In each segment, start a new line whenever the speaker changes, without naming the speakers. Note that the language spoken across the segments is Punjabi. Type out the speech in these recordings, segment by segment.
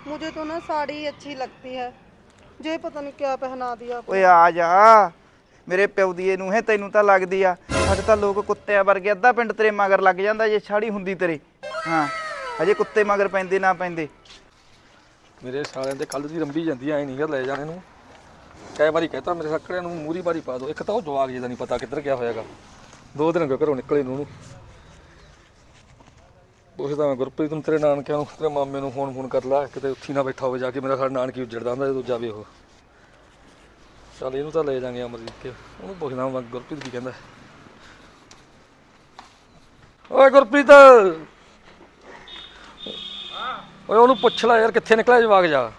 मुझे तो ना साड़ी ही अच्छी लगती है। जे पता नहीं क्या पहना दिया आपने।
ਓਏ ਆ ਜਾ ਮੇਰੇ ਪਿਓ ਦੀ ਨੂੰ ਹੈ ਤੈਨੂੰ ਤਾਂ ਲੱਗਦੀ ਆ ਸਾਡੇ ਤਾਂ ਲੋਕ ਕੁੱਤਿਆਂ ਵਰਗੇ ਅੱਧਾ ਪਿੰਡ ਤੇਰੇ ਮਗਰ ਲੱਗ ਜਾਂਦਾ ਜੇ ਛਾੜੀ ਹੁੰਦੀ ਤੇਰੇ ਹਾਂ ਅਜੇ ਕੁੱਤੇ ਮਗਰ ਪੈਂਦੇ ਨਾ ਪੈਂਦੇ
ਮੇਰੇ ਸਾਲਿਆਂ ਦੇ ਕੱਲ ਦੀ ਰੰਬੀ ਜਾਂਦੀ ਐ ਨਹੀਂ ਗਾ ਲੈ ਜਾਣੇ ਨੂੰ ਕਈ ਵਾਰੀ ਕਹਤਾ ਮੇਰੇ ਸੱਕੜਿਆਂ ਨੂੰ ਮੂਰੀ ਬਾਰੀ ਪਾ ਦੋ ਇੱਕ ਤਾਂ ਉਹ ਜਵਾਗ ਜਿਹਦਾ ਨਹੀਂ ਪਤਾ ਕਿੱਧਰ ਗਿਆ ਹੋਇਆਗਾ 2 ਦਿਨ ਹੋ ਗਏ ਘਰੋਂ ਨਿਕਲੇ ਨੂੰ ਉਹਨੂੰ ਪੁੱਛਦਾ ਮੈਂ ਗੁਰਪ੍ਰੀਤ ਨੂੰ ਤੇਰੇ ਨਾਨਕਿਆਂ ਨੂੰ ਤੇਰੇ ਮਾਮੇ ਨੂੰ ਫੋਨ ਕਰ ਲਾ ਕਿਤੇ ਉੱਥੀ ਨਾ ਬੈਠਾ ਹੋਵੇ ਜਾ ਕੇ ਮੇਰਾ ਸਾਡਾ ਨਾਨਕੀ ਉੱਜੜਦਾ ਹੁੰਦਾ ਜਦੋਂ ਜਾਵੇ ਉਹ ਚੱਲ ਇਹਨੂੰ ਤਾਂ ਲੈ ਜਾਾਂਗੇ ਅਮਰਜੀਤ ਕੇ ਉਹਨੂੰ ਪੁੱਛਦਾ ਮੈਂ ਗੁਰਪ੍ਰੀਤ ਕੀ ਕਹਿੰਦਾ ਓਏ ਗੁਰਪ੍ਰੀਤ ਓਏ ਉਹਨੂੰ ਪੁੱਛ ਲੈ ਯਾਰ ਕਿੱਥੇ ਨਿਕਲਿਆ ਜਵਾਕ ਜਾ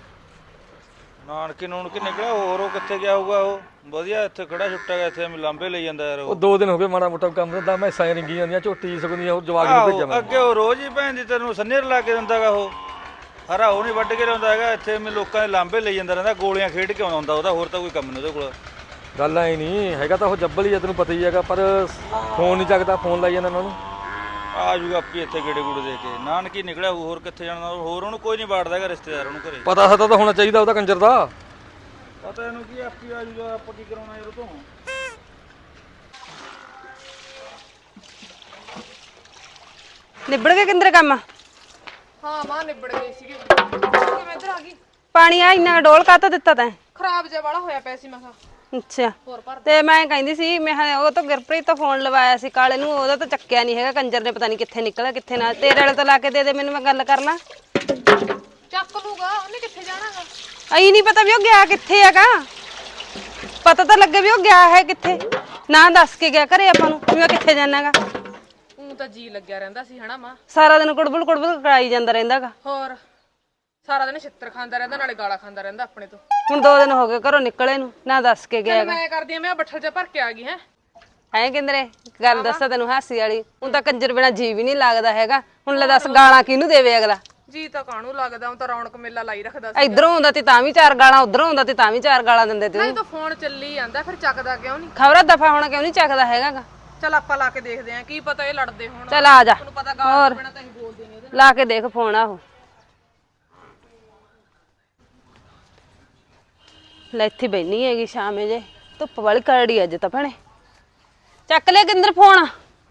ਨਾਨਕੀ ਨੂਨਕੀ ਨਿਕਲਿਆ ਹੋਰ ਉਹ ਕਿੱਥੇ ਗਿਆ ਹੋਊਗਾ ਉਹ ਵਧੀਆ ਇੱਥੇ ਖੜਾ ਛੁੱਟਾ ਗਿਆ ਇੱਥੇ ਲਾਂਬੇ ਲਈ ਜਾਂਦਾ ਯਾਰ
ਉਹ 2 ਦਿਨ ਹੋ ਗਏ ਮਾੜਾ ਮੋਟਾ ਕੰਮ ਦਾ ਮੈਂ ਸਾਂ ਰਿੰਗੀ ਜਾਂਦੀਆਂ ਝੋਟੀ ਸਕਦੀਆਂ ਉਹ ਜਵਾਕ ਨੂੰ ਭੇਜਾਂ ਮੈਂ
ਅੱਗੇ ਉਹ ਰੋਜ਼ ਹੀ ਭੈਣ ਦੀ ਤੈਨੂੰ ਸੰਨੇਰ ਲਾ ਕੇ ਦਿੰਦਾਗਾ ਉਹ ਹਰਾ ਉਹ ਨਹੀਂ ਵੱਢ ਕੇ ਲਿਆਉਂਦਾ ਹੈਗਾ ਇੱਥੇ ਮੈਂ ਲੋਕਾਂ ਦੇ ਲਾਂਬੇ ਲਈ ਜਾਂਦਾ ਰਹਿੰਦਾ ਗੋਲੀਆਂ ਖੇਡ ਕੇ ਆਉਂਦਾ ਹੁੰਦਾ ਉਹਦਾ ਹੋਰ ਤਾਂ ਕੋਈ ਕੰਮ ਨਹੀਂ ਉਹਦੇ ਕੋਲ
ਗੱਲ ਐ ਨਹੀਂ ਹੈਗਾ ਤਾਂ ਉਹ ਜੱਬਲ ਹੀ ਆ ਤੈਨੂੰ ਪਤਾ ਹੀ ਹੈਗਾ ਪਰ ਫੋਨ ਨਹੀਂ ਚੱਕਦਾ ਫੋਨ ਲਾਈ ਜਾਂਦਾ ਉਹਨਾਂ ਨੂੰ
ਆ ਜੂਗਾ ਆਪੀ ਇੱਥੇ ਗੇੜੇ ਗੂੜੇ ਦੇ ਕੇ ਨਾਨਕੀ ਨਿਕਲਿਆ ਹੋਰ ਕਿੱਥੇ ਜਾਣਾ ਹੋਰ ਉਹਨੂੰ ਕੋਈ ਨਹੀਂ ਬਾੜਦਾ ਹੈਗਾ ਰਿਸ਼ਤੇਦਾਰ ਉਹਨੂੰ ਘਰੇ
ਪਤਾ ਸਤਾ ਤਾਂ ਹੋਣਾ ਚਾਹੀਦਾ ਉਹਦਾ ਕੰਜਰ ਦਾ
ਪਤਾ ਇਹਨੂੰ ਕੀ ਆਪੀ ਆ ਜੂਗਾ ਆਪਾਂ ਕੀ ਕਰਾਉਣਾ ਯਾਰ ਉਹ ਤੋਂ
ਨਿਬੜ ਗਿਆ ਕਿੰਦਰ ਕੰਮ
हाँ मां निबड़ गई सी मैं इधर आ गई
ਪਾਣੀ ਆ ਇੰਨਾ ਡੋਲ ਕਾਹਤੋਂ ਦਿੱਤਾ ਤੈਂ
खराब जे वाला होया पैसी मैं कहा
ਅੱਛਾ
ਹੋਰ ਭਰ
ਤੇ ਮੈਂ ਕਹਿੰਦੀ ਸੀ ਮੈਂ ਕਿਹਾ ਉਹ ਤਾਂ ਗੁਰਪ੍ਰੀਤ ਤੋਂ ਫੋਨ ਲਵਾਇਆ ਸੀ ਕਾਲੇ ਨੂੰ ਉਹਦਾ ਤਾਂ ਚੱਕਿਆ ਨਹੀਂ ਹੈਗਾ ਕੰਜਰ ਨੇ ਪਤਾ ਨਹੀਂ ਕਿੱਥੇ ਨਿਕਲਿਆ ਕਿੱਥੇ ਨਾ ਤੇਰੇ ਵਾਲੇ ਤੋਂ ਲਾ ਕੇ ਦੇ ਦੇ ਮੈਨੂੰ ਮੈਂ ਗੱਲ ਕਰ ਲਾਂ
ਚੱਕ ਲੂਗਾ ਉਹਨੇ ਕਿੱਥੇ ਜਾਣਾਗਾ
ਅਈ ਨਹੀਂ ਪਤਾ ਵੀ ਉਹ ਗਿਆ ਕਿੱਥੇ ਹੈਗਾ ਪਤਾ ਤਾਂ ਲੱਗੇ ਵੀ ਉਹ ਗਿਆ ਹੈ ਕਿੱਥੇ ਨਾ ਦੱਸ ਕੇ ਗਿਆ ਘਰੇ ਆਪਾਂ ਨੂੰ ਵੀ ਉਹ ਕਿੱਥੇ ਜਾਣਾਗਾ
ਉਹ ਤਾਂ ਜੀ ਲੱਗਿਆ ਰਹਿੰਦਾ ਸੀ ਹਨਾ ਮਾਂ
ਸਾਰਾ ਦਿਨ ਕੁੜਬੁਲ ਕਰਾਈ ਜਾਂਦਾ ਰਹਿੰਦਾਗਾ
ਹੋਰ ਸਾਰਾ ਦਿਨ ਛਿੱਤਰ ਖਾਂਦਾ ਰਹਿੰਦਾ ਨਾਲੇ ਗਾਲਾਂ ਖਾਂਦਾ ਰਹਿੰਦਾ ਆਪਣੇ ਤੋਂ
ਹੁਣ 2 ਦਿਨ ਹੋ ਗਏ ਘਰੋਂ ਨਿਕਲੇ ਨੂੰ ਨਾ ਦੱਸ ਕੇ ਗਿਆ
ਮੈਂ ਕਰਦੀ ਆ ਮੈਂ ਬੱਠਲ ਚ ਭਰ ਕੇ ਆ ਗਈ ਹੈ
ਹੈ ਕਿੰਦਰੇ ਗੱਲ ਦੱਸਾਂ ਤੈਨੂੰ ਹਾਸੀ ਵਾਲੀ ਹੁਣ ਤਾਂ ਕੰਜਰ ਬਿਨਾ ਜੀ ਵੀ ਨਹੀਂ ਲੱਗਦਾ ਹੈਗਾ ਹੁਣ ਲੈ ਦੱਸ ਗਾਲਾਂ ਕਿਹਨੂੰ ਦੇਵੇ ਅਗਲਾ
ਜੀ ਤਾਂ ਕਾਹਨੂੰ ਲੱਗਦਾ ਉਹ ਤਾਂ ਰੌਣਕ ਮੇਲਾ ਲਾਈ ਰੱਖਦਾ ਸੀ
ਇਧਰੋਂ ਆਉਂਦਾ ਤੇ ਤਾਂ ਵੀ 4 ਗਾਲਾਂ ਉਧਰੋਂ ਆਉਂਦਾ ਤੇ ਤਾਂ ਵੀ 4 ਗਾਲਾਂ ਦਿੰਦੇ ਤੇ
ਨਹੀਂ ਤਾਂ ਫੋਨ ਚੱਲੀ ਜਾਂਦਾ ਫਿਰ ਚੱਕਦਾ ਕਿਉਂ ਨਹੀਂ
ਖਬਰਾਂ ਦਫਾ ਹੋਣਾ ਕਿਉਂ ਨਹੀਂ ਚੱਕਦਾ ਹੈਗਾ
ਚਲ ਆਪਾਂ ਲਾ ਕੇ ਦੇਖਦੇ ਆਂ ਕੀ ਪਤਾ ਇਹ ਲੜਦੇ ਹੋਣ
ਚੱਲ ਆ ਜਾ
ਤੁਹਾਨੂੰ ਪਤਾ ਗਾਲਾਂ ਬਿਨਾ ਤਾਂ ਅਸੀਂ ਬੋਲਦੇ ਨਹੀਂ ਇਹਦੇ
ਲਾ ਕੇ ਦੇਖ ਫੋਨ ਆਹੋ ਲੈ ਇੱਥੇ ਬੈਣੀ ਹੈਗੀ ਸ਼ਾਮੇ ਜੇ ਧੁੱਪ ਵਾਲੀ ਕਰੜੀ ਅੱਜ ਤਾਂ ਭੈਣੇ ਚੱਕ ਲੈ ਕਿੰਦਰ ਫੋਨ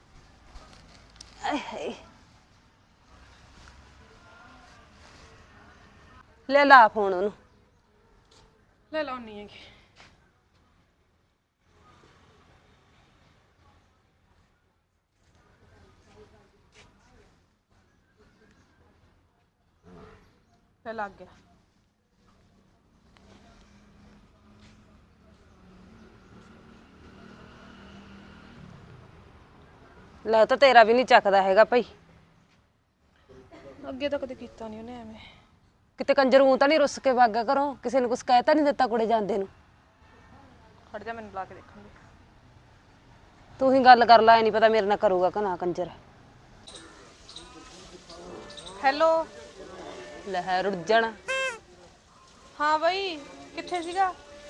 ਲੈ ਲਾ ਫੋਨ ਉਹਨੂੰ
ਲੈ ਲਾਉਣੀ ਹੈਗੀ ਲੈ ਲੱਗ ਗਿਆ
ਲੈ ਤਾਂ ਤੇਰਾ ਵੀ ਨਹੀਂ ਚੱਕਦਾ ਹੈਗਾ ਭਾਈ
ਅੱਗੇ ਤਾਂ ਕਦੇ ਕੀਤਾ ਨਹੀਂ ਉਹਨੇ ਐਵੇਂ
ਕਿਤੇ ਕੰਜਰ ਊਂ ਤਾਂ ਨਹੀਂ ਰੁੱਸ ਕੇ ਵਾਗਾ ਘਰੋਂ ਕਿਸੇ ਨੂੰ ਕੁਛ ਕਹਿ ਤਾਂ ਨਹੀਂ ਦਿੱਤਾ ਕੁੜੇ ਜਾਂਦੇ ਨੂੰ
ਖੜ ਜਾ ਮੈਨੂੰ ਲਾ ਕੇ ਦੇਖਾਂਗੇ
ਤੂੰ ਹੀ ਗੱਲ ਕਰ ਲੈ ਨਹੀਂ ਪਤਾ ਮੇਰੇ ਨਾਲ ਕਰੂਗਾ ਕਿ ਨਾ ਕੰਜਰ
ਹੈਲੋ
ਲੈ ਰੁੱਝ ਜਾਣਾ
ਹਾਂ ਬਈ ਕਿੱਥੇ ਸੀਗਾ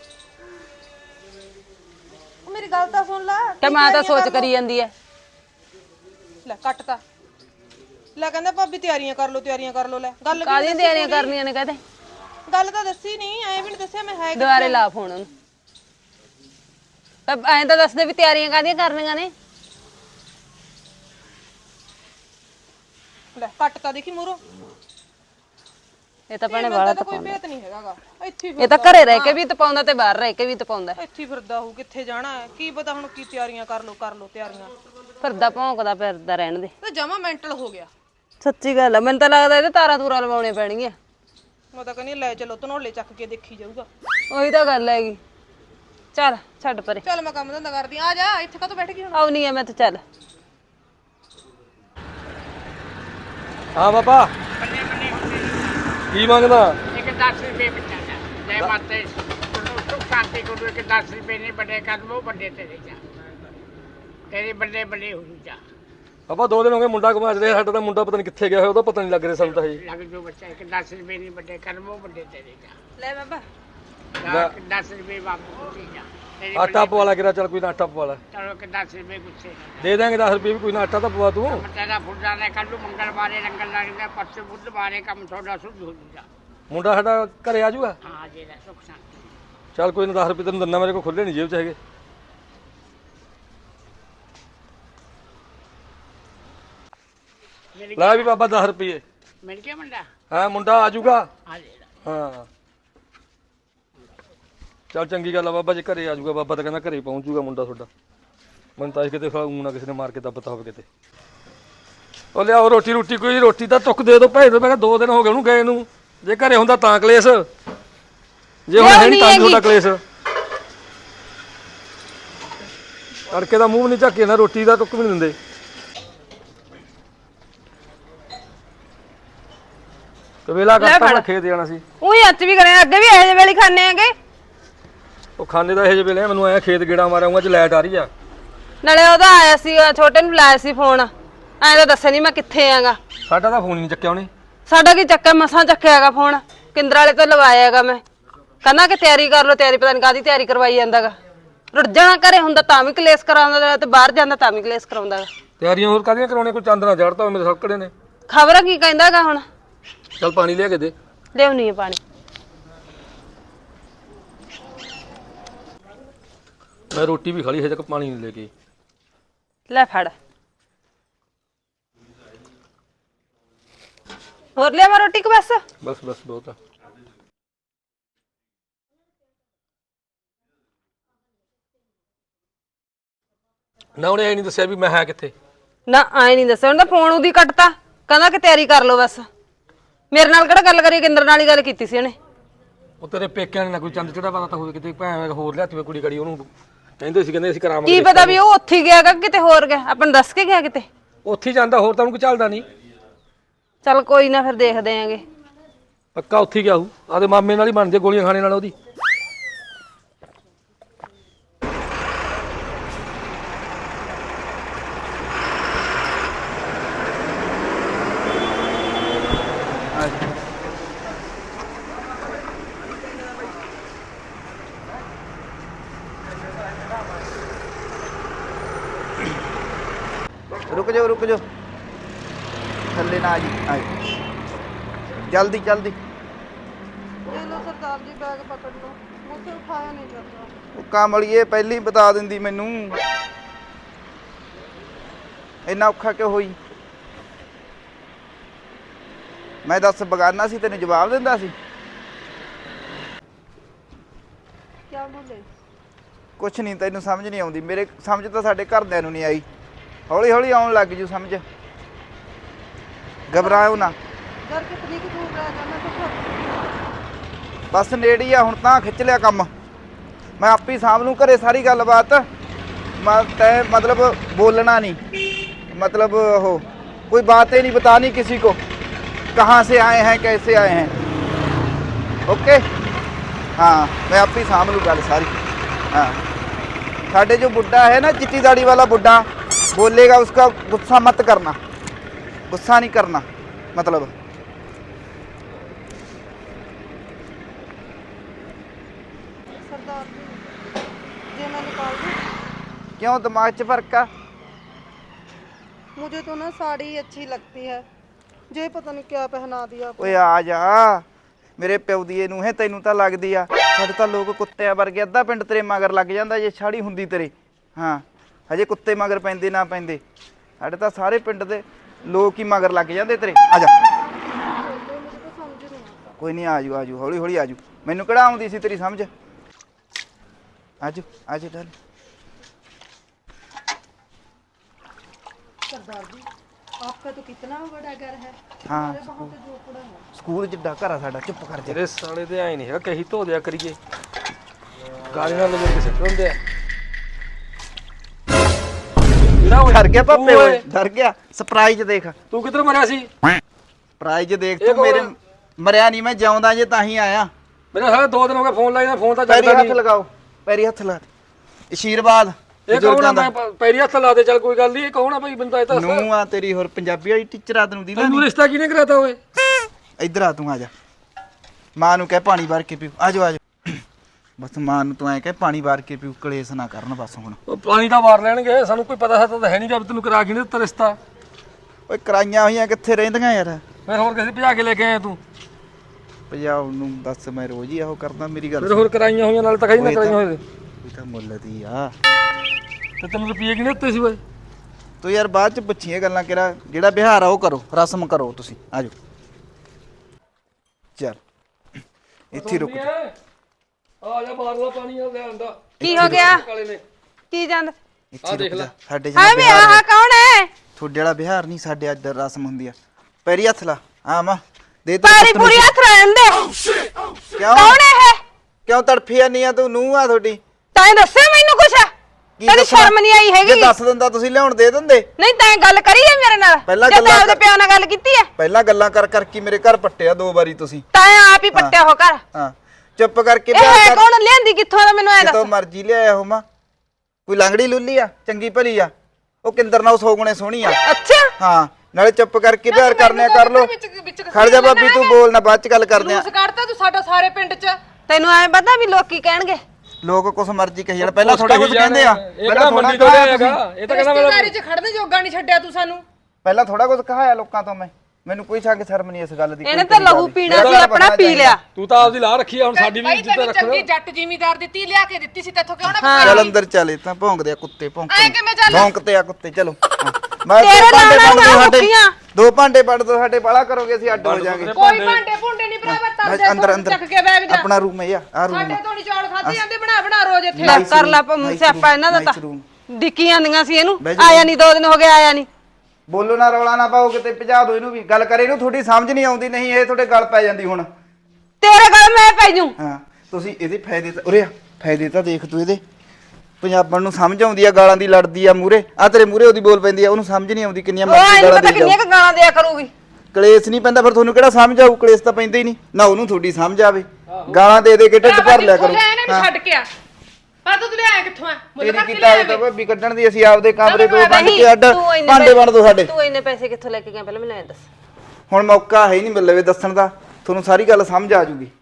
ਉਹ ਮੇਰੀ ਗੱਲ ਤਾਂ ਸੁਣ ਲੈ
ਕਿ ਮੈਂ ਤਾਂ ਸੋਚ ਕਰੀ ਜਾਂਦੀ ਐ
ਲੈ ਕੱਟਤਾ ਲੈ ਕਹਿੰਦਾ ਭਾਬੀ ਤਿਆਰੀਆਂ ਕਰ ਲੋ ਲੈ ਗੱਲ
ਕਾਹਦੀਆਂ ਤਿਆਰੀਆਂ ਕਰਨੀਆਂ ਨੇ ਕਹਦੇ
ਗੱਲ ਤਾਂ ਦੱਸੀ ਨਹੀਂ ਐ ਵੀ ਨਹੀਂ ਦੱਸਿਆ ਮੈਂ ਹੈ
ਦੁਬਾਰੇ ਲਾ ਫੋਨ ਉਹਨੂੰ ਐਂ ਤਾਂ ਦੱਸਦੇ ਵੀ ਤਿਆਰੀਆਂ ਕਾਹਦੀਆਂ ਕਰਨੀਆਂ ਨੇ
ਲੈ ਕੱਟਤਾ ਦੇਖੀ ਮੂਰੋ
ਇਹ ਤਾਂ ਭੈਣੇ ਵਾਲਾ
ਤਾਂ ਕੋਈ ਭੇਤ ਨਹੀਂ ਹੈਗਾਗਾ ਇੱਥੇ
ਇਹ ਤਾਂ ਘਰੇ ਰਹਿ ਕੇ ਵੀ ਤਪਾਉਂਦਾ ਤੇ ਬਾਹਰ ਰਹਿ ਕੇ ਵੀ ਤਪਾਉਂਦਾ
ਇੱਥੇ ਫਿਰਦਾ ਹੋਊ ਕਿੱਥੇ ਜਾਣਾ ਹੈ ਕੀ ਪਤਾ ਹੁਣ ਕੀ ਤਿਆਰੀਆਂ ਕਰ ਲੋ ਤਿਆਰੀਆਂ
ਫਿਰਦਾ ਭੌਂਕਦਾ ਫਿਰਦਾ ਰਹਿਣ ਦੇ
ਤੇ ਜਮਾ ਮੈਂਟਲ ਹੋ ਗਿਆ
ਸੱਚੀ ਗੱਲ ਆ ਮੈਨੂੰ ਤਾਂ ਲੱਗਦਾ ਇਹਦੇ ਤਾਰਾਂ ਤੂਰਾਂ ਲਵਾਉਣੇ ਪੈਣਗੀਆਂ
ਮੈਂ ਤਾਂ ਕਹਿੰਦੀ ਲੈ ਚਲੋ ਧਨੋਲੇ ਚੱਕ ਕੇ ਦੇਖੀ ਜਾਊਗਾ
ਉਹੀ ਤਾਂ ਗੱਲ ਹੈਗੀ ਚੱਲ ਛੱਡ ਪਰੇ
ਚੱਲ ਮੈਂ ਕੰਮ ਧੰਦਾ ਕਰਦੀ ਆ ਜਾ ਇੱਥੇ ਕਾਹਤੋਂ ਬੈਠ ਗਈ ਹੁਣ
ਆਉਣੀ ਆ ਮੈਂ ਤਾਂ ਚੱਲ
ਹਾਂ ਬਾਬਾ ਕੀ ਮੰਗਦਾ
एक 10 रुपये बचाना जय माता सुख शांति को एक 10 रुपये नहीं बड़े कर वो बड़े तेरे जा तेरे बड़े बड़े हो जा
ਬਾਬਾ 2 ਦਿਨ ਹੋ ਗਏ ਮੁੰਡਾ ਘੁਮਾ ਰਿਹਾ ਸਾਡਾ ਤਾਂ ਮੁੰਡਾ ਪਤਾ ਨਹੀਂ ਕਿੱਥੇ ਗਿਆ ਹੋਇਆ ਉਹਦਾ ਪਤਾ ਨਹੀਂ ਲੱਗ ਰਿਹਾ ਸਾਨੂੰ ਤਾਂ ਜੀ
लग जो बच्चा एक 10 रुपये नहीं बड़े कर वो बड़े तेरे जा
ਲੈ ਬਾਬਾ
10 रुपये वापस दे जा तेरे
ਆਟਾ ਪਵਾ ਲਾ ਕਿਰਾ ਚੱਲ ਕੋਈ ਨਾ ਆਟਾ ਪਵਾ ਲਾ
चलो के 10 रुपये गुस्से
ਦੇ ਦਾਂਗੇ 10 ਰੁਪਏ ਵੀ ਕੋਈ ਨਾ ਆਟਾ ਤਾਂ ਪਵਾ ਤੂੰ
तेरा फुट जाना कल मंगलवार रंगल लगेगा परसों बुधवार काम थोड़ा शुद्ध हो जा
ਮੁੰਡਾ ਸਾਡਾ ਘਰੇ ਆ ਜਾਊਗਾ?
ਹਾਂ ਜਿਹੜਾ ਸੁੱਖ ਸ਼ਾਂਤੀ।
ਚੱਲ ਕੋਈ ਨਾ 10 ਰੁਪਏ ਤੈਨੂੰ ਦਿੰਦਾ, ਮੇਰੇ ਕੋਲ ਖੁੱਲੇ ਨਹੀਂ ਜੇਬ 'ਚ ਹੈਗੇ। ਲੈ ਵੀ ਬਾਬਾ 10 ਰੁਪਏ।
ਮਿਲ ਗਿਆ ਮੁੰਡਾ?
ਹਾਂ ਮੁੰਡਾ ਆ ਜਾਊਗਾ।
ਆ ਜਿਹੜਾ
ਹਾਂ ਚੱਲ ਚੰਗੀ ਗੱਲ ਆ ਬਾਬਾ, ਜੇ ਘਰੇ ਆ ਜਾਊਗਾ ਬਾਬਾ ਤਾਂ ਕਹਿੰਦਾ ਘਰੇ ਪਹੁੰਚ ਜਾਊਗਾ ਮੁੰਡਾ ਤੁਹਾਡਾ। ਮੈਨੂੰ ਤਾਂ ਕਿਤੇ ਊਂ ਨਾ ਕਿਸੇ ਨੇ ਮਾਰ ਕੇ ਦੱਬਤਾ ਹੋਵੇ ਕਿਤੇ। ਉਹ ਲਿਆਓ ਰੋਟੀ ਰੋਟੀ, ਕੋਈ ਰੋਟੀ ਤਾਂ ਟੁੱਕ ਦੇ ਦੋ ਭੇਜ ਦੋ। ਮੈਂ ਕਿਹਾ 2 ਦਿਨ ਹੋ ਗਏ ਉਹਨੂੰ ਗਏ ਨੂੰ, ਜੇ ਘਰੇ ਹੁੰਦਾ ਤਾਂ ਕਲੇਸ਼, ਜੇ ਹੁਣ ਹੈ ਨਹੀਂ ਤਾਂ ਤੁਹਾਡਾ ਕਲੇਸ਼। ਤੜਕੇ ਦਾ ਮੂੰਹ ਨਹੀਂ ਝੱਕੇ ਨਾ, ਰੋਟੀ ਦਾ ਟੁੱਕ ਵੀ ਨਹੀਂ ਦਿੰਦੇ। ਕਵੇਲਾ ਕਰਤਾ ਮੈਂ ਖੇਤ ਜਾਣਾ ਸੀ।
ਉਹੀ ਅੱਜ ਵੀ ਕਰੇ, ਅੱਗੇ ਵੀ ਇਹੋ ਜਿਹੇ ਵੇਲੇ ਖਾਣੇ ਆਗੇ।
ਉਹ ਖਾਣੇ ਦਾ ਇਹੋ ਜਿਹੇ ਵੇਲੇ ਮੈਨੂੰ ਆਇਆ ਖੇਤ ਗੇੜਾ ਮਾਰਿਆ, ਅੱਜ ਲਾਈਟ ਆ ਰਹੀ ਆ।
ਨਾਲੇ ਉਹਦਾ ਆਇਆ ਸੀ, ਛੋਟੇ ਨੂੰ ਲਾਇਆ ਸੀ ਫੋਨ, ਐਂ ਤਾਂ ਦੱਸਿਆ ਨਹੀਂ ਮੈਂ ਕਿੱਥੇ ਆਂਗਾ।
ਸਾਡਾ ਤਾਂ ਫੋਨ ਹੀ ਨਹੀਂ ਚੱਕਿਆ ਉਹਨੇ।
ਸਾਡਾ ਕੀ ਚੱਕਿਆ, ਮਸਾਂ ਚੱਕਿਆ ਹੈਗਾ ਫੋਨ, ਕਿੰਦਰ ਵਾਲੇ ਤੋਂ ਲਵਾਇਆ ਹੈਗਾ ਮੈਂ। ਕਹਿੰਦਾ ਕਿ ਤਿਆਰੀ ਕਰ ਲੋ, ਤਿਆਰੀ ਪਤਾ ਨਹੀਂ ਕਾਹਦੀ ਤਿਆਰੀ ਕਰਵਾਈ ਜਾਂਦਾਗਾ। ਰੁੱਟ ਜਾਣਾ ਘਰੇ ਹੁੰਦਾ ਤਾਂ ਵੀ ਕਲੇਸ਼ ਕਰਾਉਂਦਾ, ਤੇ ਬਾਹਰ ਜਾਂਦਾ ਤਾਂ ਵੀ ਕਲੇਸ਼ ਕਰਾਉਂਦਾ।
ਤਿਆਰੀਆਂ ਹੋਰ ਕਾਹਦੀਆਂ ਕਰਾਉਣੇ, ਕੋਈ ਚੰਦ ਨਾ ਚੜ੍ਹਤਾ ਹੋਵੇ ਮੇਰੇ ਸੱਕੜੇ ਨੇ।
ਖਬਰ ਕੀ ਕਹਿੰਦਾਗਾ ਹੁਣ?
ਚੱਲ ਪਾਣੀ ਲਿਆ ਕੇ ਦੇ।
ਲਿਆਉਣੀ ਹੈ ਪਾਣੀ।
ਮੈਂ ਰੋਟੀ ਵੀ ਖਾ ਲਈ, ਹਜੇ ਤੱਕ ਪਾਣੀ ਨਹੀਂ ਲੈ ਕੇ।
ਲੈ ਫੜ। ਹੋਰ ਲਿਆ ਮੈਂ ਰੋਟੀ ਕਿ ਬਸ?
ਬਸ ਬਸ ਬਹੁਤ ਆ। ਨਾ ਉਹਨੇ ਇਹ ਨਹੀਂ ਦੱਸਿਆ ਵੀ ਮੈਂ ਹੈ ਕਿੱਥੇ।
ਨਾ ਆਏ ਨਹੀਂ ਦੱਸਿਆ, ਉਹਨੇ ਫੋਨ ਉਹਦੀ ਕੱਟਤਾ, ਕਹਿੰਦਾ ਕਿ ਤਿਆਰੀ ਕਰ ਲਓ ਬਸ। ਮੇਰੇ ਨਾਲ ਕਿਹੜਾ ਗੱਲ ਕਰੀ, ਕਿੰਦਰ ਨਾਲ ਹੀ ਗੱਲ ਕੀਤੀ ਸੀ ਉਹਨੇ।
ਉਹ ਤੇਰੇ ਪੇਕਿਆਂ ਨੇ ਨਾ ਕੋਈ ਚੰਦ ਚੜਾ ਪਤਾ ਹੋਵੇ ਕਿਤੇ, ਭੈਣ ਹੋਰ ਲਿਆਤੀ ਹੋਵੇ ਕੁੜੀ ਕੜੀ, ਉਹਨੂੰ ਕਹਿੰਦੇ ਸੀ ਕਹਿੰਦੇ ਅਸੀਂ ਕਰਾਵਾਂਗੇ।
ਕੀ ਪਤਾ ਵੀ ਉਹ ਉੱਥੇ ਗਿਆ ਕਿ ਕਿਤੇ ਹੋਰ ਗਿਆ, ਆਪਾਂ ਨੂੰ ਦੱਸ ਕੇ ਗਿਆ ਕਿਤੇ।
ਉੱਥੇ ਹੀ ਜਾਂਦਾ, ਹੋਰ ਤਾਂ ਉਹਨੂੰ ਕੋਈ ਚੱਲਦਾ ਨਹੀਂ।
ਚੱਲ ਕੋਈ ਨਾ, ਫਿਰ ਦੇਖਦੇ ਆਂਗੇ।
ਪੱਕਾ ਉੱਥੇ ਹੀ ਗਿਆ ਹੋਊ, ਆਦੇ ਮਾਮੇ ਨਾਲ ਹੀ ਬਣਦੀ ਗੋਲੀਆਂ ਖਾਣੇ ਨਾਲ ਉਹਦੀ।
रुक जाओ थल्ले ना जी, आ जल्दी जल्दी।
ये लो सरदार जी बैग पकड़ लो, मुझसे उठाया नहीं जाता।
ਉਹ ਕਾਮਲੀਏ ਪਹਿਲੀ ਬਤਾ ਦਿੰਦੀ ਮੈਨੂੰ, ਇੰਨਾ ਔਖਾ ਕਿਉਂ ਹੋਈ? ਮੈਂ ਦੱਸ ਬਗਾਨਾ ਸੀ, ਤੈਨੂੰ ਜਵਾਬ ਦਿੰਦਾ ਸੀ।
क्या बोले?
ਕੁਛ ਨਹੀਂ, ਤੈਨੂੰ ਸਮਝ ਨਹੀਂ ਆਉਂਦੀ। ਮੇਰੇ ਸਮਝ ਤਾਂ ਸਾਡੇ ਘਰਦਿਆਂ ਨੂੰ ਨਹੀਂ ਆਈ, ਹੌਲੀ ਹੌਲੀ ਆਉਣ ਲੱਗ ਜੂ ਸਮਝ। ਘਬਰਾਓ ਨਾ।
घर कितनी की दूर रह जाना तो
ਬਸ ਨੇੜੇ ਹੀ ਆ, ਹੁਣ ਤਾਂ ਖਿੱਚ ਲਿਆ ਕੰਮ। ਮੈਂ ਆਪੇ ਸਾਂਭ ਲੂੰ ਘਰੇ ਸਾਰੀ ਗੱਲਬਾਤ। ਮੈਂ ਤੈਂ मतलब बोलना नहीं, मतलब हो कोई बातें नहीं बतानी किसी को, कहाँ से आए हैं कैसे आए हैं। ओके हाँ, मैं आप ही सामभ लूँ गल सारी। हाँ साढ़े जो बुढ़ा है ना, चिट्टी दाढ़ी वाला बुढ़ा बोलेगा, उसका गुस्सा मत करना, गुस्सा नहीं करना मतलब।
सरदार जी ये मैं निकाल दूँ?
क्यों दिमाग च फर्क आ?
मुझे तो ना साड़ी ही अच्छी लगती है, ये पता नहीं क्या पहना दिया आपने।
ਓਏ ਆ ਜਾ, ਮੇਰੇ ਪਿਓ ਦੀ ਨੂੰ ਹੈ, ਤੈਨੂੰ ਤਾਂ ਲੱਗਦੀ ਆ। ਸਾਡੇ ਤਾਂ ਲੋਕ ਕੁੱਤਿਆਂ ਵਰਗੇ, ਅੱਧਾ ਪਿੰਡ ਤੇਰੇ ਮਗਰ ਲੱਗ ਜਾਂਦਾ ਜੇ ਛਾੜੀ ਹੁੰਦੀ ਤੇਰੇ। ਹਾਂ ਹਜੇ ਕੁੱਤੇ ਮਗਰ ਪੈਂਦੇ ਨਾ ਪੈਂਦੇ, ਸਾਡੇ ਤਾਂ ਸਾਰੇ ਪਿੰਡ ਦੇ ਲੋਕ ਹੀ ਮਗਰ ਲੱਗ ਜਾਂਦੇ ਤੇਰੇ। ਆ ਜਾ,
मुझे तो समझ नहीं आता।
ਕੋਈ ਨਹੀਂ, ਆਜੂ ਆਜੂ, ਹੌਲੀ ਹੌਲੀ ਆਜੂ। ਮੈਨੂੰ ਕਿਹੜਾ ਆਉਂਦੀ ਸੀ ਤੇਰੀ ਸਮਝ। ਆਜੂ ਆਜੂ ਡਰ।
सरदार जी आपका तो कितना बड़ा घर है,
हाँ
हमारे वहाँ तो झोपड़ा है।
ਸਕੂਲ ਜਿੱਡਾ ਘਰ ਆ ਸਾਡਾ। ਚੁੱਪ ਕਰ ਜਾ।
ਤੇਰੇ ਸਾਲੇ ਦੇ ਆਏ ਨਹੀਂ ਹੈਗਾ, ਕਹੀ ਧੋ ਦਿਆ ਕਰੀਏ, ਗਾਲੀ ਨਾਲ ਲਗੇ ਕਿਸੇ ਹੁੰਦੇ ਆ।
ਡਰ ਗਿਆ ਪਾਪੇ, ਓਏ ਡਰ ਗਿਆ। ਸਰਪ੍ਰਾਈਜ਼ ਦੇਖ,
ਤੂੰ ਕਿੱਧਰ ਮਰਿਆ ਸੀ?
ਪ੍ਰਾਈਜ਼ ਦੇਖ ਤੂੰ। ਮੇਰੇ ਮਰਿਆ ਨਹੀਂ, ਮੈਂ ਜਿਉਂਦਾ ਜੇ ਤਾਂ ਹੀ ਆਇਆ।
ਮੇਰੇ ਸਾਲੇ 2 ਦਿਨ ਹੋ ਗਏ ਫੋਨ ਲਾਇਆ, ਫੋਨ ਤਾਂ
ਪੈਰੀ
ਚੱਲਦਾ
ਹੱਥ
ਨਹੀਂ।
ਲਗਾਓ, ਪੈਰੀ ਹੱਥ ਲਾ ਦੇ। ਆਸ਼ੀਰਵਾਦ
ਇਹ ਕੌਣ ਆ? ਮੈਂ ਪੈਰੀ ਹੱਥ ਲਾ ਦੇ, ਚੱਲ ਕੋਈ ਗੱਲ ਨਹੀਂ। ਇਹ ਕੌਣ ਆ ਭਾਈ ਬੰਦਾ? ਇਹ ਤਾਂ
ਨੂੰ ਆ ਤੇਰੀ, ਹੋਰ ਪੰਜਾਬੀ ਵਾਲੀ ਟੀਚਰ ਆ ਤੈਨੂੰ ਦੀ ਨਾ।
ਤੈਨੂੰ ਰਿਸ਼ਤਾ ਕਿਹਨੇ ਕਰਾਤਾ ਓਏ?
ਇੱਧਰ ਆ ਤੂੰ, ਆ ਜਾ। ਮਾਂ ਨੂੰ ਕਹਿ ਪਾਣੀ ਭਰ ਕੇ ਪੀਓ। ਆਜੋ ਆਜੋ, ਬਸ ਮਾਂ ਨੂੰ ਤੂੰ ਐ ਕਹਿ ਪਾਣੀ ਭਰ ਕੇ ਪੀਓ, ਕਲੇਸ਼ ਨਾ ਕਰਨ ਬਸ ਹੁਣ।
ਉਹ ਪਾਣੀ ਤਾਂ ਵਾਰ ਲੈਣਗੇ, ਸਾਨੂੰ ਕੋਈ ਪਤਾ ਤਾਂ ਹੈ ਨਹੀਂ ਕਿ ਤੈਨੂੰ ਕਰਾ ਕੇ ਨਹੀਂ ਦਿੱਤਾ ਰਿਸ਼ਤਾ।
ਓਏ ਕਰਾਈਆਂ ਹੋਈਆਂ ਕਿੱਥੇ ਰਹਿੰਦੀਆਂ ਯਾਰ।
ਮੈਂ ਹੋਰ ਕਿਸੇ ਭਜਾ ਕੇ ਲੈ ਕੇ ਆਇਆ ਤੂੰ?
ਪੰਜਾਬ ਨੂੰ ਦੱਸ ਮੈਂ ਰੋਜ਼ ਹੀ ਇਹੋ ਕਰਦਾ ਮੇਰੀ ਗੱਲ
ਫਿਰ ਹੋਰ ਕਰਾਈਆਂ ਹੋਈਆਂ ਨਾਲ ਤਾਂ ਕਹੀ ਨਾ ਕਰਾਈਆਂ ਹੋਈਆਂ
ਇਹ ਤਾਂ ਮੁੱਲ ਦੀ ਆ
ਤੇ ਤੈਨੂੰ ਰੁਪਈਏ ਕਿਹਨੇ ਦਿੱਤੇ ਸੀ ਓਏ
ਤੂੰ ਯਾਰ ਬਾਅਦ ਚ ਪੁੱਛੀਏ ਗੱਲਾਂ ਕਿਹੜਾ ਜਿਹੜਾ ਬਿਹਾਰ ਆ ਉਹ ਕਰੋ ਰਸਮ ਕਰੋ ਤੁਸੀਂ ਆਜੋ ਚੱਲ ਇੱਥੇ ਰੁਕ ਜਾ।
ਆ ਜਾ ਮਾਰ ਲਾ ਪਾਣੀ ਆ ਲੈ ਆਂਦਾ
ਕੀ ਹੋ ਗਿਆ
ਕਾਲੇ ਨੇ
ਕੀ ਜਾਂਦਾ
ਇੱਥੇ
ਦੇਖ
ਰੁਕ
ਲੈ।
ਜਾ ਸਾਡੇ
ਹਾਂ
ਜਿਹੜਾ
ਵੀ
ਬਿਹਾਰ ਆ,
ਆਹ ਕੌਣ ਹੈ
ਤੁਹਾਡੇ ਵਾਲਾ ਬਿਹਾਰ ਨਹੀਂ ਸਾਡੇ ਅੱਜ ਦਾ ਰਸਮ ਹੁੰਦੀ ਆ ਪੈਰੀ ਹੱਥ ਲਾ ਆ ਮਾਂ ਦੇ ਦੇ
ਪਾਰੀ ਪੂਰੀ ਹੱਥ ਰਹਿਣ ਦੇ
ਕਿਉਂ
ਕੌਣ ਹੈ ਇਹ
ਕਿਉਂ ਤੜਫੀਆ ਨਹੀਂ ਆ ਤੂੰ ਨੂੰਹ ਆ ਤੁਹਾਡੀ
ਤੈਂ ਦੱਸਿਆ ਮੈਨੂੰ ਕੁਛ
ਕੀ
ਤੇਰੀ
ਦੱਸਣਾ?
ਸ਼ਰਮ ਨਹੀਂ ਆਈ
ਜੇ
ਹੈਗੀ
ਦੱਸ ਦਿੰਦਾ ਤੁਸੀਂ ਲਿਆਉਣ ਦੇ ਦਿੰਦੇ
ਨਹੀਂ ਤੈਂ ਗੱਲ ਕਰੀ ਹੈ ਮੇਰੇ ਨਾਲ
ਪਹਿਲਾਂ
ਜਾਂ
ਗੱਲਾਂ
ਤੈਂ ਉਹਦੇ
ਕਰ-
ਪਿਓ ਨਾਲ ਗੱਲ ਕੀਤੀ ਹੈ
ਪਹਿਲਾਂ ਗੱਲਾਂ ਕਰ ਕਰ ਕੇ ਮੇਰੇ ਘਰ ਪੱਟਿਆ 2 ਵਾਰੀ ਤੁਸੀਂ
ਤੈਂ ਆਪ ਹੀ ਪੱਟਿਆ ਹੋ ਕਰ
ਹਾਂ ਚੁੱਪ ਕਰਕੇ
ਇਹ
ਵਿਆਹ
ਹੈ
ਕਰ
ਕੌਣ ਲਿਆਂਦੀ ਕਿੱਥੋਂ ਦਾ ਮੈਨੂੰ ਐ
ਕਿਤੋਂ
ਦੱਸ
ਮਰਜ਼ੀ ਲਿਆਇਆ ਹੋ ਮਾਂ ਕੋਈ ਲੰਗੜੀ ਲੁੱਲੀ ਆ ਚੰਗੀ ਭਲੀ ਆ ਉਹ ਕਿੰਦਰ ਨਾਲ 100 ਗੁਣੇ ਸੋਹਣੀ ਆ
ਅੱਛਾ
ਹਾਂ ਨਾਲੇ ਚੁੱਪ ਕਰਕੇ ਪਿਆਰ ਕਰਨਿਆ ਕਰ ਲੋ ਖੜ ਜਾ ਬਾਬੀ ਤੂੰ ਬੋਲ ਨਾ ਬਾਅਦ ਚ ਗੱਲ ਕਰਦੇ ਆ
ਜਲੂਸ ਕੱਢਤਾ ਤੂੰ ਸਾਡਾ ਸਾਰੇ ਪਿੰਡ 'ਚ
ਤੈਨੂੰ ਐ ਪਤਾ ਵੀ ਲੋਕ ਕੀ ਕਹਿਣਗੇ
ਲੋਕ ਕੁਛ ਮਰਜ਼ੀ ਕਹੀ ਜਾਣ ਪਹਿਲਾਂ ਥੋੜਾ ਕੁਝ ਕਹਿੰਦੇ ਆ
ਇਹ ਕਿਹੜਾ ਮੰਡੀ ਤੋਂ ਲਿਆਏਗਾ ਇਹ ਤਾਂ ਕਹਿੰਦਾ
ਰਿਸ਼ਤੇਦਾਰੀ 'ਚ ਖੜਨ ਜੋਗਾ ਨਹੀਂ ਛੱਡਿਆ ਤੂੰ ਸਾਨੂੰ
ਪਹਿਲਾਂ ਥੋੜਾ ਕੁਝ ਕਹਾਇਆ ਲੋਕਾਂ ਤੋਂ ਮੈਂ ਮੈਨੂੰ ਕੋਈ ਸ਼ੱਕ ਸ਼ਰਮ ਨਹੀਂ ਇਸ ਗੱਲ ਦੀ
ਇਹਨੇ ਤਾਂ ਲਹੂ ਪੀਣਾ ਸੀ ਆਪਣਾ ਪੀ ਲਿਆ
ਤੂੰ ਤਾਂ ਆਪਦੀ ਲਾ ਰੱਖੀ ਆ ਹੁਣ ਸਾਡੀ ਵੀ
ਭਾਈ
ਇੱਜ਼ਤ
ਤੈਨੂੰ
ਰੱਖ
ਚੰਗੀ ਜੱਟ ਜ਼ਿਮੀਦਾਰ ਦਿੱਤੀ ਲਿਆ ਕੇ ਦਿੱਤੀ ਸੀ ਤੈਥੋਂ ਕਿਉਂ ਨਾ
ਚੱਲ ਅੰਦਰ ਚੱਲ ਤਾਂ ਭੌਂਕਦੇ ਆ ਕੁੱਤੇ
ਐਂ ਕਿਵੇਂ ਚੱਲ?
ਭੌਂਕਦੇ ਆ ਕੁੱਤੇ ਚਲੋ ਮੈਂ
ਤੇਰੇ
ਦੋ ਭਾਂਡੇ
ਨਾਲ
ਵੰਡ ਦੋ ਸਾਡੇ
ਮੁੱਕੀਆਂ।
2 ਭਾਂਡੇ ਵੰਡ ਦੋ ਸਾਡੇ ਬਾਲਾ ਕਰੋਗੇ ਅਸੀਂ ਅੱਡ ਹੋ ਜਾਾਂਗੇ
ਕੋਈ ਭਾਂਡੇ ਭੁੰਡੇ ਨਹੀਂ ਭਰਾਵਾ ਤਰ
ਅੰਦਰ ਅੰਦਰ
ਚੱਕ ਕੇ ਬੈਗ ਜਾ
ਆਪਣਾ ਰੂਮ ਹੈ ਆ ਰੂਮ
ਸਾਡੇ ਤੋਂ ਨਹੀਂ ਚੌਲ ਖਾਦੇ ਜਾਂਦੇ ਬਣਾ ਬਣਾ ਰੋਜ਼ ਇੱਥੇ
ਲੈ ਕਰ ਲਾ ਸਿਆਪਾ ਇਹਨਾਂ ਦਾ ਤਾਂ ਡਿੱਕੀ ਜਾਂਦੀਆਂ ਸੀ ਇਹਨੂੰ ਆਇਆ ਨਹੀਂ 2 ਦਿਨ ਹੋ ਗਏ ਆਇਆ ਨਹੀਂ
ਬੋਲੋ ਨਾ ਰੌਲਾ ਨਾ ਪਾਓ ਕਿਤੇ ਭਜਾ ਦੋ ਇਹਨੂੰ ਵੀ ਗੱਲ ਕਰੇ ਇਹਨੂੰ ਤੁਹਾਡੀ ਸਮਝ ਨਹੀਂ ਆਉਂਦੀ ਨਹੀਂ ਇਹ ਤੁਹਾਡੇ ਗੱਲ ਪੈ ਜਾਂਦੀ ਹੁਣ
ਤੇਰੇ ਗੱਲ ਮੈਂ ਪੈ ਜੂ
ਹਾਂ ਤੁਸੀਂ ਇਹਦੇ ਫਾਇਦੇ ਤਾਂ ਉਰੇ ਆ ਫਾਇਦੇ ਤਾਂ ਦੇਖ ਤੂੰ ਇਹਦੇ ਪੰਜਾਬਣ ਨੂੰ ਸਮਝ ਆਉਂਦੀ ਆ ਗਾਲਾਂ ਦੀ ਲੜਦੀ ਆ ਮੂਰੇ ਆ ਤੇਰੇ ਮੂਰੇ ਉਹਦੀ ਬੋਲ ਪੈਂਦੀ ਆ ਉਹਨੂੰ ਸਮਝ ਨਹੀਂ ਆਉਂਦੀ ਕਿੰਨੀਆਂ
ਉਹ
ਮਰਜ਼ੀ
ਐ
ਗਾਲਾਂ
ਪਤਾ
ਦੇ
ਕਿੰਨੀਆਂ
ਜਾਓ
ਕੁ ਗਾਲਾਂ ਦਿਆ ਕਰੂਗੀ
ਕਲੇਸ਼ ਨਹੀਂ ਪੈਂਦਾ ਫਿਰ ਤੁਹਾਨੂੰ ਕਿਹੜਾ ਸਮਝ ਆਊ ਕਲੇਸ਼ ਤਾਂ ਪੈਂਦਾ ਹੀ ਨਹੀਂ ਨਾ ਉਹਨੂੰ ਤੁਹਾਡੀ ਸਮਝ ਆਵੇ ਗਾਲਾਂ ਦੇ ਦੇ ਕੇ ਢਿੱਡ ਭਰ ਲਿਆ ਕਰੋ
ਇਹਨੇ ਵੀ ਛੱਡ ਕੇ ਆ ਪਰ ਤੂੰ ਲਿਆਇਆ ਕਿੱਥੋਂ ਆ ਮੁੱਲ
ਤੇਰੀ
ਤੱਕ
ਕੀਤਾ
ਲਿਆਇਆ
ਤਾਂ ਭਾਬੀ ਕੱਢਣ ਦੀ ਅਸੀਂ ਆਪਦੇ ਕਮਰੇ ਤੋਂ ਬੰਦ
ਨਹੀਂ,
ਕੇ ਅੱਡ
ਤੂੰ ਇੰਨੇ
ਭਾਂਡੇ ਬਣ ਦੋ ਸਾਡੇ
ਤੂੰ ਇੰਨੇ ਪੈਸੇ ਕਿੱਥੋਂ ਲੈ ਕੇ ਗਿਆ ਪਹਿਲਾਂ ਮੈਨੂੰ ਐ ਦੱਸ
ਹੁਣ ਮੌਕਾ ਹੈ ਹੀ ਨਹੀਂ ਮਿਲਵੇ ਦੱਸਣ ਦਾ ਤੁਹਾਨੂੰ ਸਾਰੀ ਗੱਲ ਸਮਝ ਆ ਜੂਗੀ